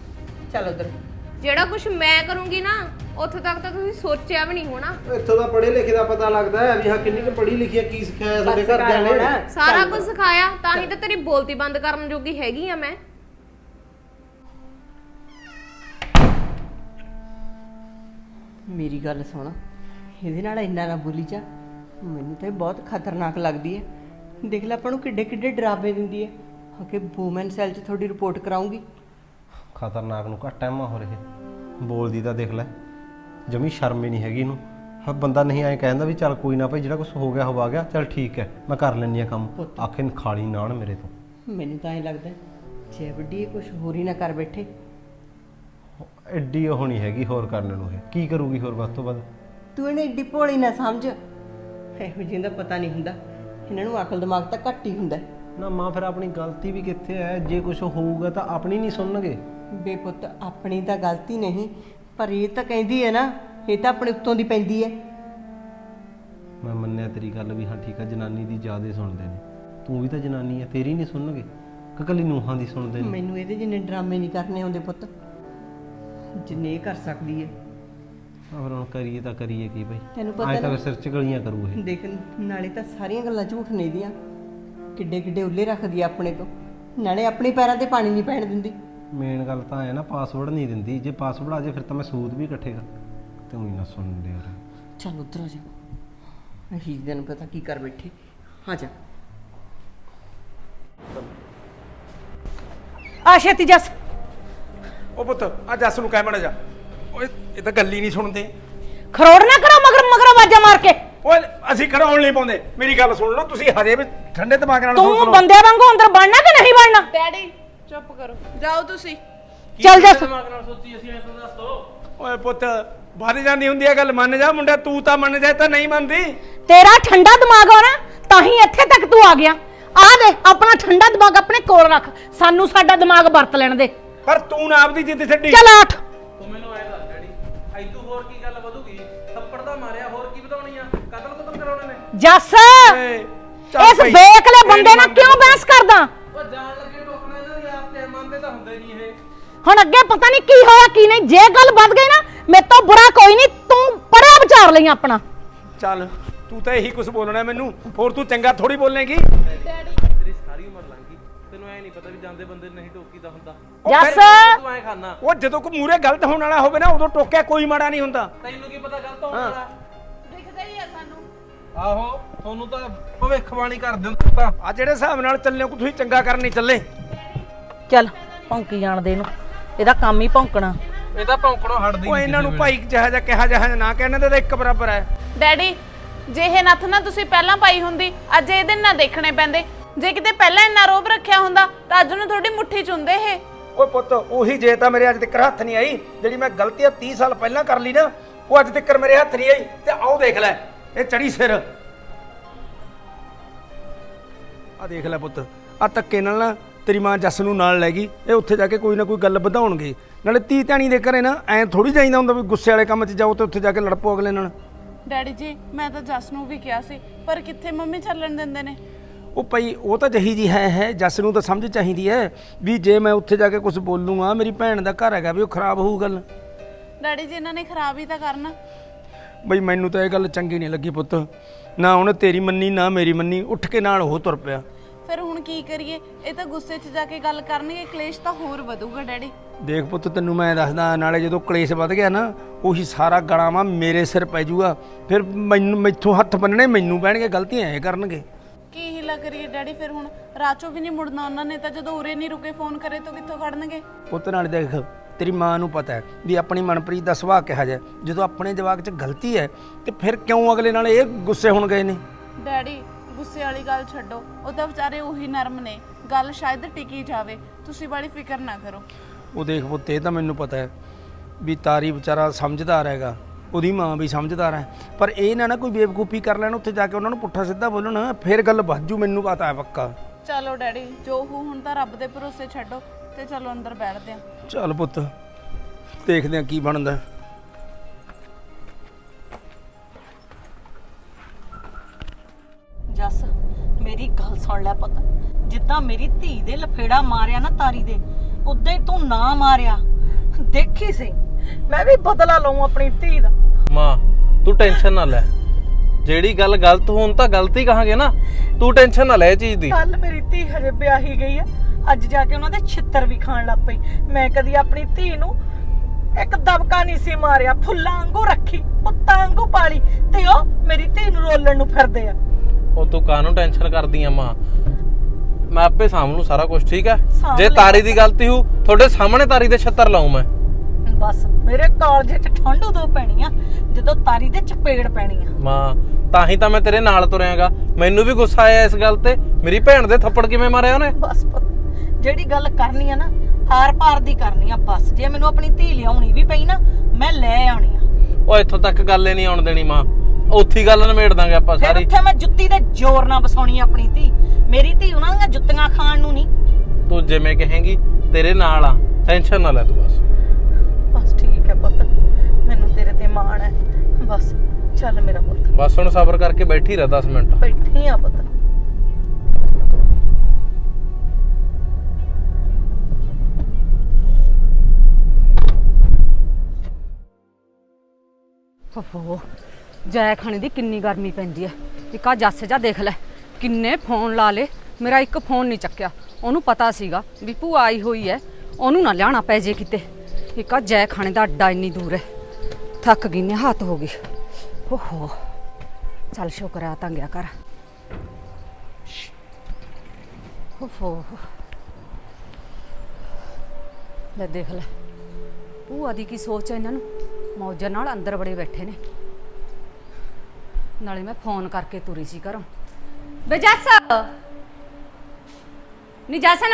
Speaker 7: ਚੱਲ ਉਧਰ।
Speaker 2: ਜਿਹੜਾ ਕੁਝ ਮੈਂ ਕਰੂੰਗੀ ਨਾ, ਉੱਥੇ ਤੱਕ ਤਾਂ ਤੁਸੀਂ ਸੋਚਿਆ ਵੀ ਨਹੀਂ ਹੋਣਾ।
Speaker 4: ਇੱਥੋਂ ਦਾ ਪੜ੍ਹੇ ਲਿਖੇ ਦਾ ਪਤਾ ਲੱਗਦਾ ਹੈ ਵੀ ਹਾਂ ਕਿੰਨੀ ਕੁ ਪੜ੍ਹੀ ਲਿਖੀ ਹੈ, ਕੀ ਸਿਖਾਇਆ ਸਾਡੇ ਘਰਦਿਆਂ ਨੇ।
Speaker 2: ਸਾਰਾ ਕੁਝ ਸਿਖਾਇਆ, ਤਾਂ ਹੀ ਤਾਂ ਤੇਰੀ ਬੋਲਤੀ ਬੰਦ ਕਰਨ ਜੋਗੀ ਹੈਗੀ ਆ ਮੈਂ।
Speaker 7: ਮੇਰੀ ਗੱਲ ਸੁਣ, ਇਹਦੇ ਨਾਲ ਇੰਨਾ ਨਾ ਬੋਲੀ ਜਾ। ਮੈਨੂੰ ਤਾਂ ਇਹ ਬਹੁਤ ਖਤਰਨਾਕ ਲੱਗਦੀ ਹੈ। ਦੇਖ ਲੈ ਆਪਾਂ ਨੂੰ ਕਿੱਡੇ ਕਿੱਡੇ ਡਰਾਵੇ ਦਿੰਦੀ ਹੈ ਕਿ ਵੂਮਨ ਸੈੱਲ 'ਚ ਤੁਹਾਡੀ ਰਿਪੋਰਟ ਕਰਾਉਂਗੀ।
Speaker 4: ਖਤਰਨਾਕ ਨੂੰ ਘੱਟ ਟਾਈਮ ਹੋ ਰਿਹਾ। ਬੋਲਦੀ ਤਾਂ ਦੇਖ ਲੈ, ਜਮੀ ਸ਼ਰਮ ਹੀ ਨਹੀਂ ਹੈਗੀ ਇਹਨੂੰ। ਹਾਂ, ਬੰਦਾ ਨਹੀਂ ਐਂ ਕਹਿੰਦਾ ਵੀ ਚੱਲ ਕੋਈ ਨਾ ਭਾਈ, ਜਿਹੜਾ ਕੁਝ ਹੋ ਗਿਆ ਹੋ ਗਿਆ, ਚੱਲ ਠੀਕ ਹੈ ਮੈਂ ਕਰ ਲੈਂਦੀ ਆ ਕੰਮ। ਆਖੇ ਖਾਲੀ ਨਾਣ ਮੇਰੇ ਤੋਂ।
Speaker 7: ਮੈਨੂੰ ਤਾਂ ਐਂ ਲੱਗਦਾ ਜੇ ਵੱਡੀ ਕੁਝ ਹੋਰ ਹੀ ਨਾ ਕਰ ਬੈਠੇ।
Speaker 4: ਐਡੀ ਉਹ ਨਹੀਂ ਹੈਗੀ ਹੋਰ ਕਰਨ ਨੂੰ। ਇਹ ਕੀ ਕਰੂਗੀ ਹੋਰ ਵੱਧ ਤੋਂ ਵੱਧ?
Speaker 7: ਤੂੰ ਇਹਨੇ ਏਡੀ ਭੋਲੀ ਨਾ ਸਮਝ। ਇਹੋ ਜਿਹੇ ਦਾ ਪਤਾ ਨਹੀਂ ਹੁੰਦਾ, ਇਹਨਾਂ ਨੂੰ ਅਕਲ ਦਿਮਾਗ ਤਾਂ ਘੱਟ ਹੀ ਹੁੰਦਾ।
Speaker 4: ਨਾ ਮਾਂ, ਫਿਰ ਆਪਣੀ ਗਲਤੀ ਵੀ ਕਿੱਥੇ ਹੈ? ਜੇ ਕੁਝ ਹੋਊਗਾ ਤਾਂ ਆਪਣੀ ਨਹੀਂ ਸੁਣਨਗੇ।
Speaker 7: ਬੇਪੁੱਤ ਆਪਣੀ ਤਾਂ ਗਲਤੀ ਨਹੀਂ, ਪਰ ਇਹ ਤਾਂ ਕਹਿੰਦੀ ਹੈ ਨਾ, ਇਹ ਤਾਂ ਆਪਣੇ ਉੱਤੋਂ ਦੀ ਪੈਂਦੀ ਹੈ।
Speaker 4: ਮੈਂ ਮੰਨਿਆ ਤੇਰੀ ਗੱਲ ਵੀ, ਹਾਂ ਠੀਕ ਹੈ, ਜਨਾਨੀ ਦੀ ਜ਼ਿਆਦਾ ਸੁਣਦੇ ਨੇ। ਤੂੰ ਵੀ ਤਾਂ ਜਨਾਨੀ ਹੈ, ਤੇਰੀ ਨਹੀਂ ਸੁਣਨਗੇ ਕਿ ਕੱਲੀ ਨੂੰਹਾਂ ਦੀ ਸੁਣਦੇ ਨੇ?
Speaker 7: ਮੈਨੂੰ ਇਹਦੇ ਜਿੰਨੇ ਡਰਾਮੇ ਨਹੀਂ ਕਰਨੇ ਆਉਂਦੇ ਪੁੱਤ, ਜਿੰਨੇ ਇਹ ਕਰ ਸਕਦੀ ਹੈ।
Speaker 4: ਫਿਰ ਹੁਣ ਕਰੀਏ ਤਾਂ ਕਰੀਏ ਕੀ ਭਾਈ?
Speaker 7: ਤੈਨੂੰ ਪਤਾ
Speaker 4: ਤਾਂ
Speaker 7: ਨਾ,
Speaker 4: ਸਿਰ 'ਚ ਗਲੀਆਂ ਕਰੂ ਇਹ।
Speaker 7: ਦੇਖ ਨਾਲੇ ਤਾਂ ਸਾਰੀਆਂ ਗੱਲਾਂ ਝੂਠ ਨੇ ਦੀਆਂ, ਕਿੱਡੇ ਕਿੱਡੇ ਉੱਲੇ ਰੱਖਦੀ ਆ ਆਪਣੇ ਤੋਂ, ਨਾਲੇ ਆਪਣੇ ਪੈਰਾਂ ਤੇ ਪਾਣੀ ਨਹੀਂ ਪੈਣ ਦਿੰਦੀ।
Speaker 4: ਮੇਨ ਗੱਲ ਤਾਂ ਹੈ ਨਾ, ਪਾਸਵਰਡ ਨਹੀਂ ਦਿੰਦੀ। ਜੇ ਪਾਸਵਰਡ ਆ ਜੇ ਫਿਰ ਤਾਂ ਮੈਂ ਸੂਦ ਵੀ ਇਕੱਠੇ ਕਰ। ਤੂੰ ਹੀ ਨਾ ਸੁਣਦੇ ਯਾਰ।
Speaker 7: ਚੱਲ ਉਧਰ ਆ ਜਾ, ਅਸੀਂ ਦਿਨ ਪਤਾ ਕੀ ਕਰ ਬੈਠੇ। ਆ ਜਾ
Speaker 3: ਆ ਛੇਤੀ ਜੱਸ।
Speaker 6: ਉਹ ਪੁੱਤ ਆ ਜੱਸ ਨੂੰ ਕਹਿ ਮੜਾ ਜਾ। ਓਏ ਇਹ ਤਾਂ ਗੱਲ ਹੀ ਨਹੀਂ ਸੁਣਦੇ।
Speaker 3: ਖਰੋੜ ਨਾ ਕਰੋ ਮਗਰ ਮਗਰ ਆਵਾਜ਼ਾਂ ਮਾਰ ਕੇ।
Speaker 6: ਓਏ ਅਸੀਂ ਖੜਾਉਣ ਨਹੀਂ ਪਾਉਂਦੇ ਮੇਰੀ ਗੱਲ ਸੁਣ ਲਓ ਤੁਸੀਂ ਹਜੇ ਵੀ ਠੰਡੇ ਦਿਮਾਗ ਨਾਲ ਸੋਚ
Speaker 7: ਤੂੰ
Speaker 6: ਲਓ
Speaker 7: ਬੰਦੇ ਵਾਂਗੂ ਅੰਦਰ ਬਣਨਾ ਕਿ ਨਹੀਂ ਬਣਨਾ?
Speaker 1: ਡੈਡੀ ਚੁੱਪ ਕਰੋ, ਜਾਓ ਤੁਸੀਂ।
Speaker 7: ਚੱਲ ਜਾ
Speaker 5: ਦਿਮਾਗ ਨਾਲ ਸੋਚੀ ਅਸੀਂ ਐਂ ਤਾਂ ਦੱਸ ਦੋ।
Speaker 6: ਓਏ ਪੁੱਤ ਵੱਧ ਜਾਂਦੀ ਹੁੰਦੀ ਹੈ ਗੱਲ ਮੰਨ ਜਾ ਮੁੰਡਾ ਤੂੰ ਤਾਂ ਮੰਨ ਜਾ ਤਾਂ ਨਹੀਂ ਮੰਨਦੀ
Speaker 7: ਤੇਰਾ ਠੰਡਾ ਦਿਮਾਗ ਆ ਨਾ ਤਾਂ ਹੀ ਇੱਥੇ ਤੱਕ ਤੂੰ ਆ ਗਿਆ। ਆ ਦੇ ਆਪਣਾ ਠੰਡਾ ਦਿਮਾਗ ਆਪਣੇ ਕੋਲ ਰੱਖ, ਸਾਨੂੰ ਸਾਡਾ ਦਿਮਾਗ ਵਰਤ ਲੈਣ ਦੇ।
Speaker 6: ਪਰ ਤੂੰ ਨਾ ਆਪਦੀ ਜਿੱਦ ਛੱਡੀ
Speaker 7: ਚੱਲ ਆਠ।
Speaker 5: ਤੂੰ ਮੈਨੂੰ ਐਂ ਦੱਸ ਡੈਡੀ, ਐਦੂ ਹੋਰ ਕੀ ਗੱਲ ਵਧੂਗੀ? ਥੱਪੜ ਤਾਂ ਮਾਰਿਆ, ਹੋਰ ਕੀ ਵਧਾਉਣੀ ਆ? ਕਤਲ ਕੁਤਲ ਕਰਾਉਣੇ ਨੇ?
Speaker 7: ਜੱਸ
Speaker 6: ਏ, ਚੱਲ
Speaker 7: ਇਸ
Speaker 6: ਭਾਈ,
Speaker 7: ਬੇਕਲੇ ਬੰਦੇ ਨਾਲ
Speaker 6: ਤੇਰੀ
Speaker 7: ਕਿਉਂ ਬਹਿਸ ਕਰਦਾ?
Speaker 5: ਉਹ ਜਾਣ ਲੱਗੇ ਟੋਕਣਾ ਇਹਨਾਂ ਦੀ ਆਪ ਤੇ ਮੰਨਦੇ ਤਾਂ ਹੁੰਦੇ ਨਹੀਂ ਇਹ।
Speaker 7: ਹੁਣ ਅੱਗੇ ਪਤਾ ਨਹੀਂ ਕੀ ਹੋਇਆ ਕੀ ਨਹੀਂ। ਜੇ ਗੱਲ ਵੱਧ ਗਈ ਨਾ ਮੇਰੇ ਤੋਂ ਬੁਰਾ ਕੋਈ ਨਹੀਂ, ਤੂੰ ਪਰੇ ਵਿਚਾਰ ਲਈ ਆਪਣਾ।
Speaker 6: ਚੱਲ ਤੂੰ ਤਾਂ ਇਹੀ ਕੁਝ ਬੋਲਣਾ ਮੈਨੂੰ, ਹੋਰ ਤੂੰ ਚੰਗਾ ਥੋੜੀ ਬੋਲੇਂਗੀ।
Speaker 5: ਤੇਰੀ ਸਾਰੀ ਉਮਰ ਲੰਘ ਗਈ, ਤੈਨੂੰ ਐ ਨਹੀਂ ਪਤਾ ਵੀ ਜਾਂਦੇ ਬੰਦੇ ਨਹੀਂ ਟੋਕੀਦਾ ਹੁੰਦਾ।
Speaker 7: ਜੱਸ
Speaker 5: ਤੂੰ ਐ ਖਾਨਾ,
Speaker 6: ਉਹ ਜਦੋਂ ਕੋਈ ਮੂਰੇ ਗਲਤ ਹੋਣ ਵਾਲਾ ਹੋਵੇ ਨਾ ਉਦੋਂ ਟੋਕਿਆ ਕੋਈ ਮਾੜਾ ਨਹੀਂ ਹੁੰਦਾ।
Speaker 5: ਤੈਨੂੰ ਕੀ ਪਤਾ ਗਲਤ ਹੋਣ ਵਾਲਾ?
Speaker 1: ਦਿਖਦਾ ਹੀ ਆ ਸਾਨੂੰ।
Speaker 5: ਆਹੋ ਤੁਹਾਨੂੰ ਤਾਂ ਭਵਿੱਖਬਾਣੀ ਕਰ ਦਿੰਦਾ ਤਾਂ।
Speaker 6: ਆ ਜਿਹੜੇ ਹਿਸਾਬ ਨਾਲ ਚੱਲੇ ਹੋ ਤੁਸੀਂ ਚੰਗਾ ਕਰਨ ਨਹੀਂ ਚੱਲੇ।
Speaker 3: ਚੱਲ ਭੌਂਕੀ ਜਾਣ ਦੇ ਇਹਨੂੰ, ਇਹਦਾ ਕੰਮ ਹੀ ਭੌਂਕਣਾ।
Speaker 5: ਇਹ ਤਾਂ ਭੌਂਕਣੋਂ ਹਟਦੀ
Speaker 6: ਉਹ
Speaker 5: ਨਹੀਂ
Speaker 6: ਇਹਨਾਂ ਨੂੰ
Speaker 5: ਕਿਸੇ
Speaker 6: ਭਾਈ ਜਿਹਾ ਜਿਹਾ ਕਿਹਾ ਜਿਹਾ ਨਾ ਕਹਿਣ ਦੇ ਤਾਂ ਇੱਕ ਬਰਾਬਰ ਹੈ।
Speaker 1: ਡੈਡੀ ਜੇ ਇਹ ਨੱਥ ਨਾ ਤੁਸੀਂ ਪਹਿਲਾਂ ਪਾਈ ਹੁੰਦੀ, ਅੱਜ ਇਹਦੇ ਨਾਲ ਦੇਖਣੇ ਪੈਂਦੇ। ਜੇ ਕਿਤੇ ਪਹਿਲਾਂ ਇੰਨਾ ਰੋਬ ਰੱਖਿਆ ਹੁੰਦਾ ਤਾਂ ਅੱਜ ਨੂੰ ਤੁਹਾਡੀ ਮੁੱਠੀ ਚ ਹੁੰਦੇ ਇਹ।
Speaker 6: ਓਏ ਪੁੱਤ ਉਹੀ ਜੇ ਤਾਂ ਮੇਰੇ ਅੱਜ ਤੱਕ ਹੱਥ ਨਹੀਂ ਆਈ ਜਿਹੜੀ ਮੈਂ ਗਲਤੀਆਂ 30 ਸਾਲ ਪਹਿਲਾਂ ਕਰ ਲਈ ਨਾ, ਉਹ ਅੱਜ ਤੱਕ ਮੇਰੇ ਹੱਥ ਨਹੀਂ ਆਈ। ਤੇ ਆਓ ਦੇਖ ਲੈ ਇਹ ਚੜੀ ਸਿਰ। ਆ ਦੇਖ ਲੈ ਪੁੱਤ, ਆ ਧੱਕੇ ਨਾਲ ਨਾ ਤੇਰੀ ਮਾਂ ਜੱਸ ਨੂੰ ਨਾਲ ਲੈ ਗਈ। ਇਹ ਉੱਥੇ ਜਾ ਕੇ ਕੋਈ ਨਾ ਕੋਈ ਗੱਲ ਵਧਾਉਣਗੇ। ਨਾਲੇ ਧੀ ਧਿਆਣੀ ਦੇ ਘਰੇ ਨਾ ਐਂ ਥੋੜੀ ਜਾਈਦਾ ਹੁੰਦਾ ਵੀ ਗੁੱਸੇ ਵਾਲੇ ਕੰਮ 'ਚ ਜਾਓ ਤੇ ਉੱਥੇ ਜਾ ਕੇ ਲੜ ਪਓ ਅਗਲੇ ਨਾਲ।
Speaker 1: ਡੈਡੀ ਜੀ ਮੈਂ ਤਾਂ ਜੱਸ ਨੂੰ ਵੀ ਕਿਹਾ ਸੀ, ਪਰ ਕਿੱਥੇ ਮੰਮੀ ਚੱਲਣ ਦਿੰਦੇ ਨੇ।
Speaker 6: ਉਹ ਭਾਈ ਉਹ ਤਾਂ ਜਹੀ ਜੀ ਹੈ ਜੱਸ ਨੂੰ ਤਾਂ ਸਮਝ ਚਾਹੀਦੀ ਹੈ ਵੀ ਜੇ ਮੈਂ ਉੱਥੇ ਜਾ ਕੇ ਕੁਝ ਬੋਲੂੰਗਾ ਮੇਰੀ ਭੈਣ ਦਾ ਘਰ ਹੈਗਾ ਵੀ ਉਹ ਖਰਾਬ ਹੋਊ ਗੱਲ।
Speaker 1: ਡੈਡੀ ਜੀ ਇਹਨਾਂ ਨੇ ਖਰਾਬ ਹੀ ਤਾਂ ਕਰਨਾ।
Speaker 6: ਬਈ ਮੈਨੂੰ ਤਾਂ ਇਹ ਗੱਲ ਚੰਗੀ ਨਹੀਂ ਲੱਗੀ ਪੁੱਤ, ਨਾ ਉਹਨੇ ਤੇਰੀ ਮੰਨੀ ਨਾ ਮੇਰੀ ਮੰਨੀ, ਉੱਠ ਕੇ ਨਾਲ ਉਹ ਤੁਰ ਪਿਆ।
Speaker 1: ਫਿਰ ਹੁਣ ਕੀ ਕਰੀਏ? ਇਹ ਤਾਂ ਗੁੱਸੇ 'ਚ ਜਾ ਕੇ ਗੱਲ ਕਰਨਗੇ, ਕਲੇਸ਼ ਤਾਂ ਹੋਰ ਵਧੂਗਾ ਡੈਡੀ।
Speaker 6: ਦੇਖ ਪੁੱਤ ਤੈਨੂੰ ਮੈਂ ਦੱਸਦਾ, ਨਾਲੇ ਜਦੋਂ ਕਲੇਸ਼ ਵੱਧ ਗਿਆ ਨਾ ਉਹੀ ਸਾਰਾ ਗਲਾਵਾ ਮੇਰੇ ਸਿਰ ਪੈ ਜਾਊਗਾ। ਫਿਰ ਮੈਨੂੰ ਮੈਥੋਂ ਹੱਥ ਬੰਨਣੇ ਮੈਨੂੰ ਪੈਣਗੇ, ਗਲਤੀਆਂ ਇਹ ਕਰਨਗੇ।
Speaker 1: ਕੀ ਹੀਲਾ ਕਰੀਏ ਡੈਡੀ? ਫਿਰ ਹੁਣ ਰਾਚੋ ਵੀ ਨਹੀਂ ਮੁੜਨਾ ਉਹਨਾਂ ਨੇ ਤਾਂ, ਜਦੋਂ ਉਰੇ ਨਹੀਂ ਰੁਕੇ ਫੋਨ ਕਰੇ ਤਾਂ ਕਿੱਥੋਂ ਖੜਨਗੇ?
Speaker 6: ਪੁੱਤ ਨਾਲ ਦੇਖ ਤੇਰੀ ਮਾਂ ਨੂੰ ਪਤਾ ਹੈ ਵੀ ਆਪਣੀ ਮਨਪ੍ਰੀਤ ਦਾ ਸੁਭਾਅ ਕਿਹਾ ਜਾਏ। ਜਦੋਂ ਆਪਣੇ ਜਵਾਕ 'ਚ ਗਲਤੀ ਹੈ ਤੇ ਫਿਰ ਕਿਉਂ ਅਗਲੇ ਨਾਲ ਇਹ ਗੁੱਸੇ ਹੋਣ ਗਏ ਨੇ?
Speaker 1: ਡੈਡੀ ਗੁੱਸੇ ਵਾਲੀ ਗੱਲ ਛੱਡੋ, ਉਹ ਤਾਂ ਵਿਚਾਰੇ ਉਹੀ ਨਰਮ ਨੇ, ਗੱਲ ਸ਼ਾਇਦ ਟਿਕੀ ਜਾਵੇ। ਤੁਸੀਂ ਬੜੀ ਫਿਕਰ ਨਾ ਕਰੋ।
Speaker 6: ਉਹ ਦੇਖ ਪੁੱਤ ਇਹ ਤਾਂ ਮੈਨੂੰ ਪਤਾ ਹੈ ਵੀ ਤਾਰੀ ਵਿਚਾਰਾ ਸਮਝਦਾਰ ਹੈਗਾ, ਉਹਦੀ ਮਾਂ ਵੀ ਸਮਝਦਾਰ ਹੈ, ਪਰ ਇਹ ਨਾ ਕੋਈ ਬੇਵਕੂਫੀ ਕਰ ਲੈਣ ਉੱਥੇ ਜਾ ਕੇ ਉਹਨਾਂ ਨੂੰ ਪੁੱਠਾ ਸਿੱਧਾ ਬੋਲਣ, ਫਿਰ ਗੱਲ ਵੱਧ ਜੂ। ਮੈਨੂੰ ਪਤਾ ਹੈ ਪੱਕਾ।
Speaker 1: ਚਲੋ ਡੈਡੀ ਜੋ ਹੋ ਹੁਣ ਤਾਂ ਰੱਬ ਦੇ ਭਰੋਸੇ ਛੱਡੋ ਤੇ ਚਲੋ ਅੰਦਰ ਬੈਠਦੇ ਆਂ।
Speaker 6: ਚੱਲ ਪੁੱਤ ਦੇਖਦੇ ਆ ਕੀ ਬਣਦਾ।
Speaker 3: ਜੱਸ ਮੇਰੀ ਗੱਲ ਸੁਣ ਲੈ ਪੁੱਤ, ਜਿੱਦਾਂ ਮੇਰੀ ਧੀ ਦੇ ਲਫੇੜਾ ਮਾਰਿਆ ਨਾ ਤਾਰੀ ਦੇ, ਉਦਾਂ ਹੀ ਤੂੰ ਨਾ ਮਾਰਿਆ। ਦੇਖੀ ਸਹੀ ਮੈਂ ਵੀ ਬਦਲਾ ਲਵਾਂ ਆਪਣੀ ਧੀ ਦਾ।
Speaker 5: ਮਾਂ ਤੂੰ ਟੈਨਸ਼ਨ ਨਾ ਲੈ, ਜਿਹੜੀ ਗੱਲ ਗਲਤ ਹੋਣ ਤਾਂ ਗਲਤੀ ਕਹਾਂਗੇ ਨਾ, ਤੂੰ ਟੈਨਸ਼ਨ ਨਾ ਲੈ ਇਹ ਚੀਜ਼ ਦੀ।
Speaker 3: ਕੱਲ ਮੇਰੀ ਧੀ ਹਜੇ ਵਿਆਹੀ ਗਈ ਆ, ਅੱਜ ਜਾ ਕੇ ਉਹਨਾਂ ਦੇ ਛਿੱਤਰ ਵੀ ਖਾਣ ਲੱਗ ਪਈ। ਮੈਂ ਕਦੀ ਆਪਣੀ ਧੀ ਨੂੰ ਇੱਕ ਦਬਕਾ ਨਹੀਂ ਸੀ ਮਾਰਿਆ, ਫੁੱਲਾਂ ਵਾਂਗੂ ਰੱਖੀ, ਪੁੱਤਾਂ ਵਾਂਗੂ ਪਾਲੀ, ਤੇ ਉਹ ਮੇਰੀ ਧੀ ਨੂੰ ਰੋਲਣ ਨੂੰ ਫਿਰਦੇ ਆ।
Speaker 5: ਉਹ ਤੂੰ ਕਾਹਨੂੰ ਟੈਨਸ਼ਨ ਕਰਦੀ ਆ ਮਾਂ, ਮੈਂ ਆਪੇ ਸਾਂਭ ਲੂੰ ਸਾਰਾ ਕੁਝ, ਠੀਕ ਹੈ?
Speaker 3: ਸਾਂਭ
Speaker 5: ਜੇ
Speaker 3: ਲੈ।
Speaker 5: ਤਾਰੀ ਦੀ ਗਲਤੀ ਹੋ ਤੁਹਾਡੇ ਸਾਹਮਣੇ ਤਾਰੀ ਦੇ ਛੱਤਰ ਲਾਉਂ ਮੈਂ।
Speaker 3: ਬਸ ਮੇਰੇ ਕਾਲਜੇ 'ਚ ਠੰਡ ਉਦੋਂ ਪੈਣੀ ਆ ਜਦੋਂ ਤਾਰੀ ਦੇ ਚਪੇੜ ਪੈਣੀ ਆ।
Speaker 5: ਮਾਂ ਤਾਂ ਹੀ ਤਾਂ ਮੈਂ ਤੇਰੇ ਨਾਲ ਤੁਰਿਆਗਾ। ਮੈਨੂੰ ਵੀ ਗੁੱਸਾ ਆਇਆ ਇਸ ਗੱਲ ਤੇ, ਮੇਰੀ ਭੈਣ ਦੇ ਥੱਪੜ ਕਿਵੇਂ ਮਾਰਿਆ ਉਹਨੇ।
Speaker 3: ਬਸ ਪੁੱਤ ਜਿਹੜੀ ਗੱਲ ਕਰਨੀ ਆ ਨਾ ਹਾਰ ਪਾਰ ਦੀ ਕਰਨੀ ਆ ਬਸ। ਜੇ ਮੈਨੂੰ ਆਪਣੀ ਧੀ ਲਿਆਉਣੀ ਵੀ ਪਈ ਨਾ ਮੈਂ ਲੈ ਆਉਣੀ ਆ।
Speaker 5: ਉਹ ਇੱਥੋਂ ਤੱਕ ਗੱਲ ਹੀ ਨਹੀਂ ਆਉਣ ਦੇਣੀ ਮਾਂ, ਉੱਥੀ ਗੱਲ ਨਿਮੇੜ ਦਾਂਗੇ ਆਪਾਂ
Speaker 3: ਫਿਰ
Speaker 5: ਸਾਰੀ।
Speaker 3: ਉੱਥੇ ਮੈਂ ਜੁੱਤੀ ਦੇ ਜ਼ੋਰ ਨਾਲ ਵਸਾਉਣੀ ਆ ਆਪਣੀ ਧੀ। ਮੇਰੀ ਧੀ ਉਹਨਾਂ ਦੀਆਂ ਜੁੱਤੀਆਂ ਖਾਣ ਨੂੰ ਨਹੀਂ।
Speaker 5: ਤੂੰ ਜਿਵੇਂ ਕਹੇਂਗੀ ਤੇਰੇ ਨਾਲ ਆ, ਟੈਨਸ਼ਨ ਨਾ ਲੈ ਤੂੰ ਬਸ।
Speaker 3: ਬਸ ਠੀਕ ਹੈ ਪੁੱਤ, ਮੈਨੂੰ ਤੇਰੇ ਤੇ ਮਾਣ ਹੈ। ਬਸ ਚੱਲ ਮੇਰਾ ਪੁੱਤ,
Speaker 5: ਬਸ ਹੁਣ ਸਬਰ ਕਰਕੇ ਬੈਠੀ ਰਹਿ 10 ਮਿੰਟ।
Speaker 3: ਬੈਠੀ ਆ ਪੁੱਤ।
Speaker 8: ਓਹੋ ਜੈ ਖਾਣੇ ਦੀ ਕਿੰਨੀ ਗਰਮੀ ਪੈਂਦੀ ਐ। ਇੱਕ ਆ ਜੱਸ ਜਾ ਦੇਖ ਲੈ ਕਿੰਨੇ ਫੋਨ ਲਾ ਲੇ, ਮੇਰਾ ਇੱਕ ਫੋਨ ਨਹੀਂ ਚੱਕਿਆ। ਉਹਨੂੰ ਪਤਾ ਸੀਗਾ ਵੀ ਭੂਆ ਆਈ ਹੋਈ ਐ, ਉਹਨੂੰ ਨਾ ਲਿਆਣਾ ਪੈ ਜੇ ਕਿਤੇ। ਇੱਕ ਆ ਜੈ ਖਾਣੇ ਦਾ ਅੱਡਾ ਇੰਨੀ ਦੂਰ ਐ, ਥੱਕ ਗਈ ਨੇ, ਹੱਥ ਹੋ ਗਈ। ਓਹੋ ਚੱਲ ਸ਼ੁਕਰ ਆ ਤਾਂ ਗਿਆ ਕਰ। ਓਹੋ ਲੈ ਦੇਖ ਲੈ ਭੂਆ ਦੀ ਕੀ ਸੋਚ ਐ, ਇਹਨਾਂ ਨੂੰ ਮੌਜਾਂ ਨਾਲ ਅੰਦਰ ਬੜੇ ਬੈਠੇ ਨੇ। ਨਾਲੇ ਮੈਂ ਫੋਨ ਕਰਕੇ ਤੁਰੀ ਸੀ ਘਰੋਂ। ਵੇ ਜੱਸ ਨੀ ਜਸਨ,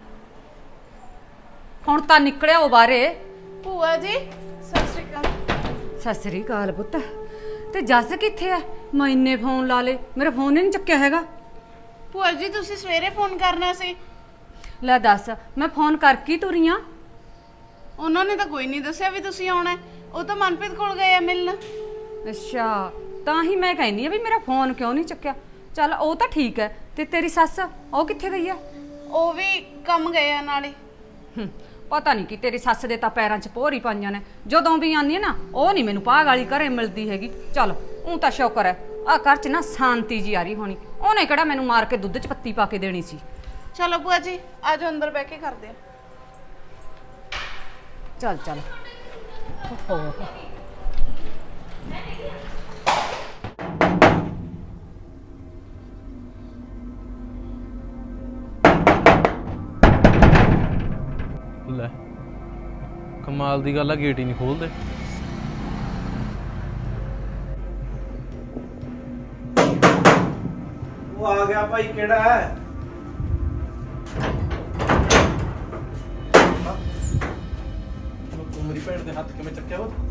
Speaker 8: ਹੁਣ ਤਾਂ ਨਿਕਲਿਆ ਉਹ ਬਾਹਰੇ।
Speaker 1: ਭੂਆ ਜੀ ਸਤਿ ਸ਼੍ਰੀ ਅਕਾਲ।
Speaker 8: ਸਤਿ ਸ੍ਰੀ ਅਕਾਲ ਪੁੱਤ। ਤੇ ਜੱਸ ਕਿੱਥੇ ਐ? ਮੈਂ ਇੰਨੇ ਫੋਨ ਲਾ ਲੇ, ਮੇਰਾ ਫੋਨ ਹੀ ਨਹੀਂ ਚੱਕਿਆ ਹੈਗਾ।
Speaker 1: ਭੂਆ ਜੀ ਤੁਸੀਂ ਸਵੇਰੇ ਫੋਨ ਕਰਨਾ ਸੀ।
Speaker 8: ਲੈ ਦੱਸ, ਮੈਂ ਫੋਨ ਕਰਕੇ ਤੁਰੀ ਆਂ।
Speaker 1: ਉਹਨਾਂ ਨੇ ਤਾਂ ਕੋਈ ਨਹੀਂ ਦੱਸਿਆ ਵੀ ਤੁਸੀਂ ਆਉਣਾ ਹੈ। ਉਹ ਤਾਂ ਮਨਪ੍ਰੀਤ ਕੋਲ ਗਏ ਆ ਮਿਲਣ।
Speaker 8: ਅੱਛਾ, ਤਾਂ ਹੀ ਮੈਂ ਕਹਿੰਦੀ ਆ ਵੀ ਮੇਰਾ ਫੋਨ ਕਿਉਂ ਨਹੀਂ ਚੱਕਿਆ। ਚੱਲ ਉਹ ਤਾਂ ਠੀਕ ਹੈ, ਤੇ ਤੇਰੀ ਸੱਸ ਉਹ ਕਿੱਥੇ ਗਈ ਐ?
Speaker 1: ਉਹ ਵੀ ਕੰਮ ਗਏ ਆ ਨਾਲੇ।
Speaker 8: ਪਤਾ ਨਹੀਂ ਕਿ ਤੇਰੀ ਸੱਸ ਦੇ ਤਾਂ ਪੈਰਾਂ 'ਚ ਪੋਰ ਹੀ ਪਾਈਆਂ ਨੇ। ਜਦੋਂ ਵੀ ਆਉਂਦੀ ਹੈ ਨਾ, ਉਹ ਨਹੀਂ ਮੈਨੂੰ ਭਾਗ ਵਾਲੀ ਘਰੇ ਮਿਲਦੀ ਹੈਗੀ। ਚੱਲ ਉਹ ਤਾਂ ਸ਼ੁਕਰ ਹੈ ਆ ਘਰ 'ਚ ਨਾ ਸ਼ਾਂਤੀ ਜੀ ਆ ਰਹੀ ਹੋਣੀ। ਉਹਨੇ ਕਿਹੜਾ ਮੈਨੂੰ ਮਾਰ ਕੇ ਦੁੱਧ 'ਚ ਪੱਤੀ ਪਾ ਕੇ ਦੇਣੀ ਸੀ।
Speaker 1: ਚਲੋ ਭੂਆ ਜੀ ਆਜੋ ਅੰਦਰ ਬਹਿ ਕੇ ਕਰਦੇ ਆ।
Speaker 8: ਚੱਲ ਚੱਲ। ਓਹੋ,
Speaker 5: ਲੈ ਕਮਾਲ ਦੀ ਗੱਲ ਆ, ਗੇਟ ਹੀ ਨਹੀਂ ਖੋਲਦੇ।
Speaker 4: ਉਹ ਆ ਗਿਆ ਭਾਈ, ਕਿਹੜਾ ਹੈ?
Speaker 5: ਤੂੰ ਮੇਰੀ ਭੈਣ ਦੇ ਹੱਥ ਕਿਵੇਂ ਚੱਕਿਆ ਉਹ?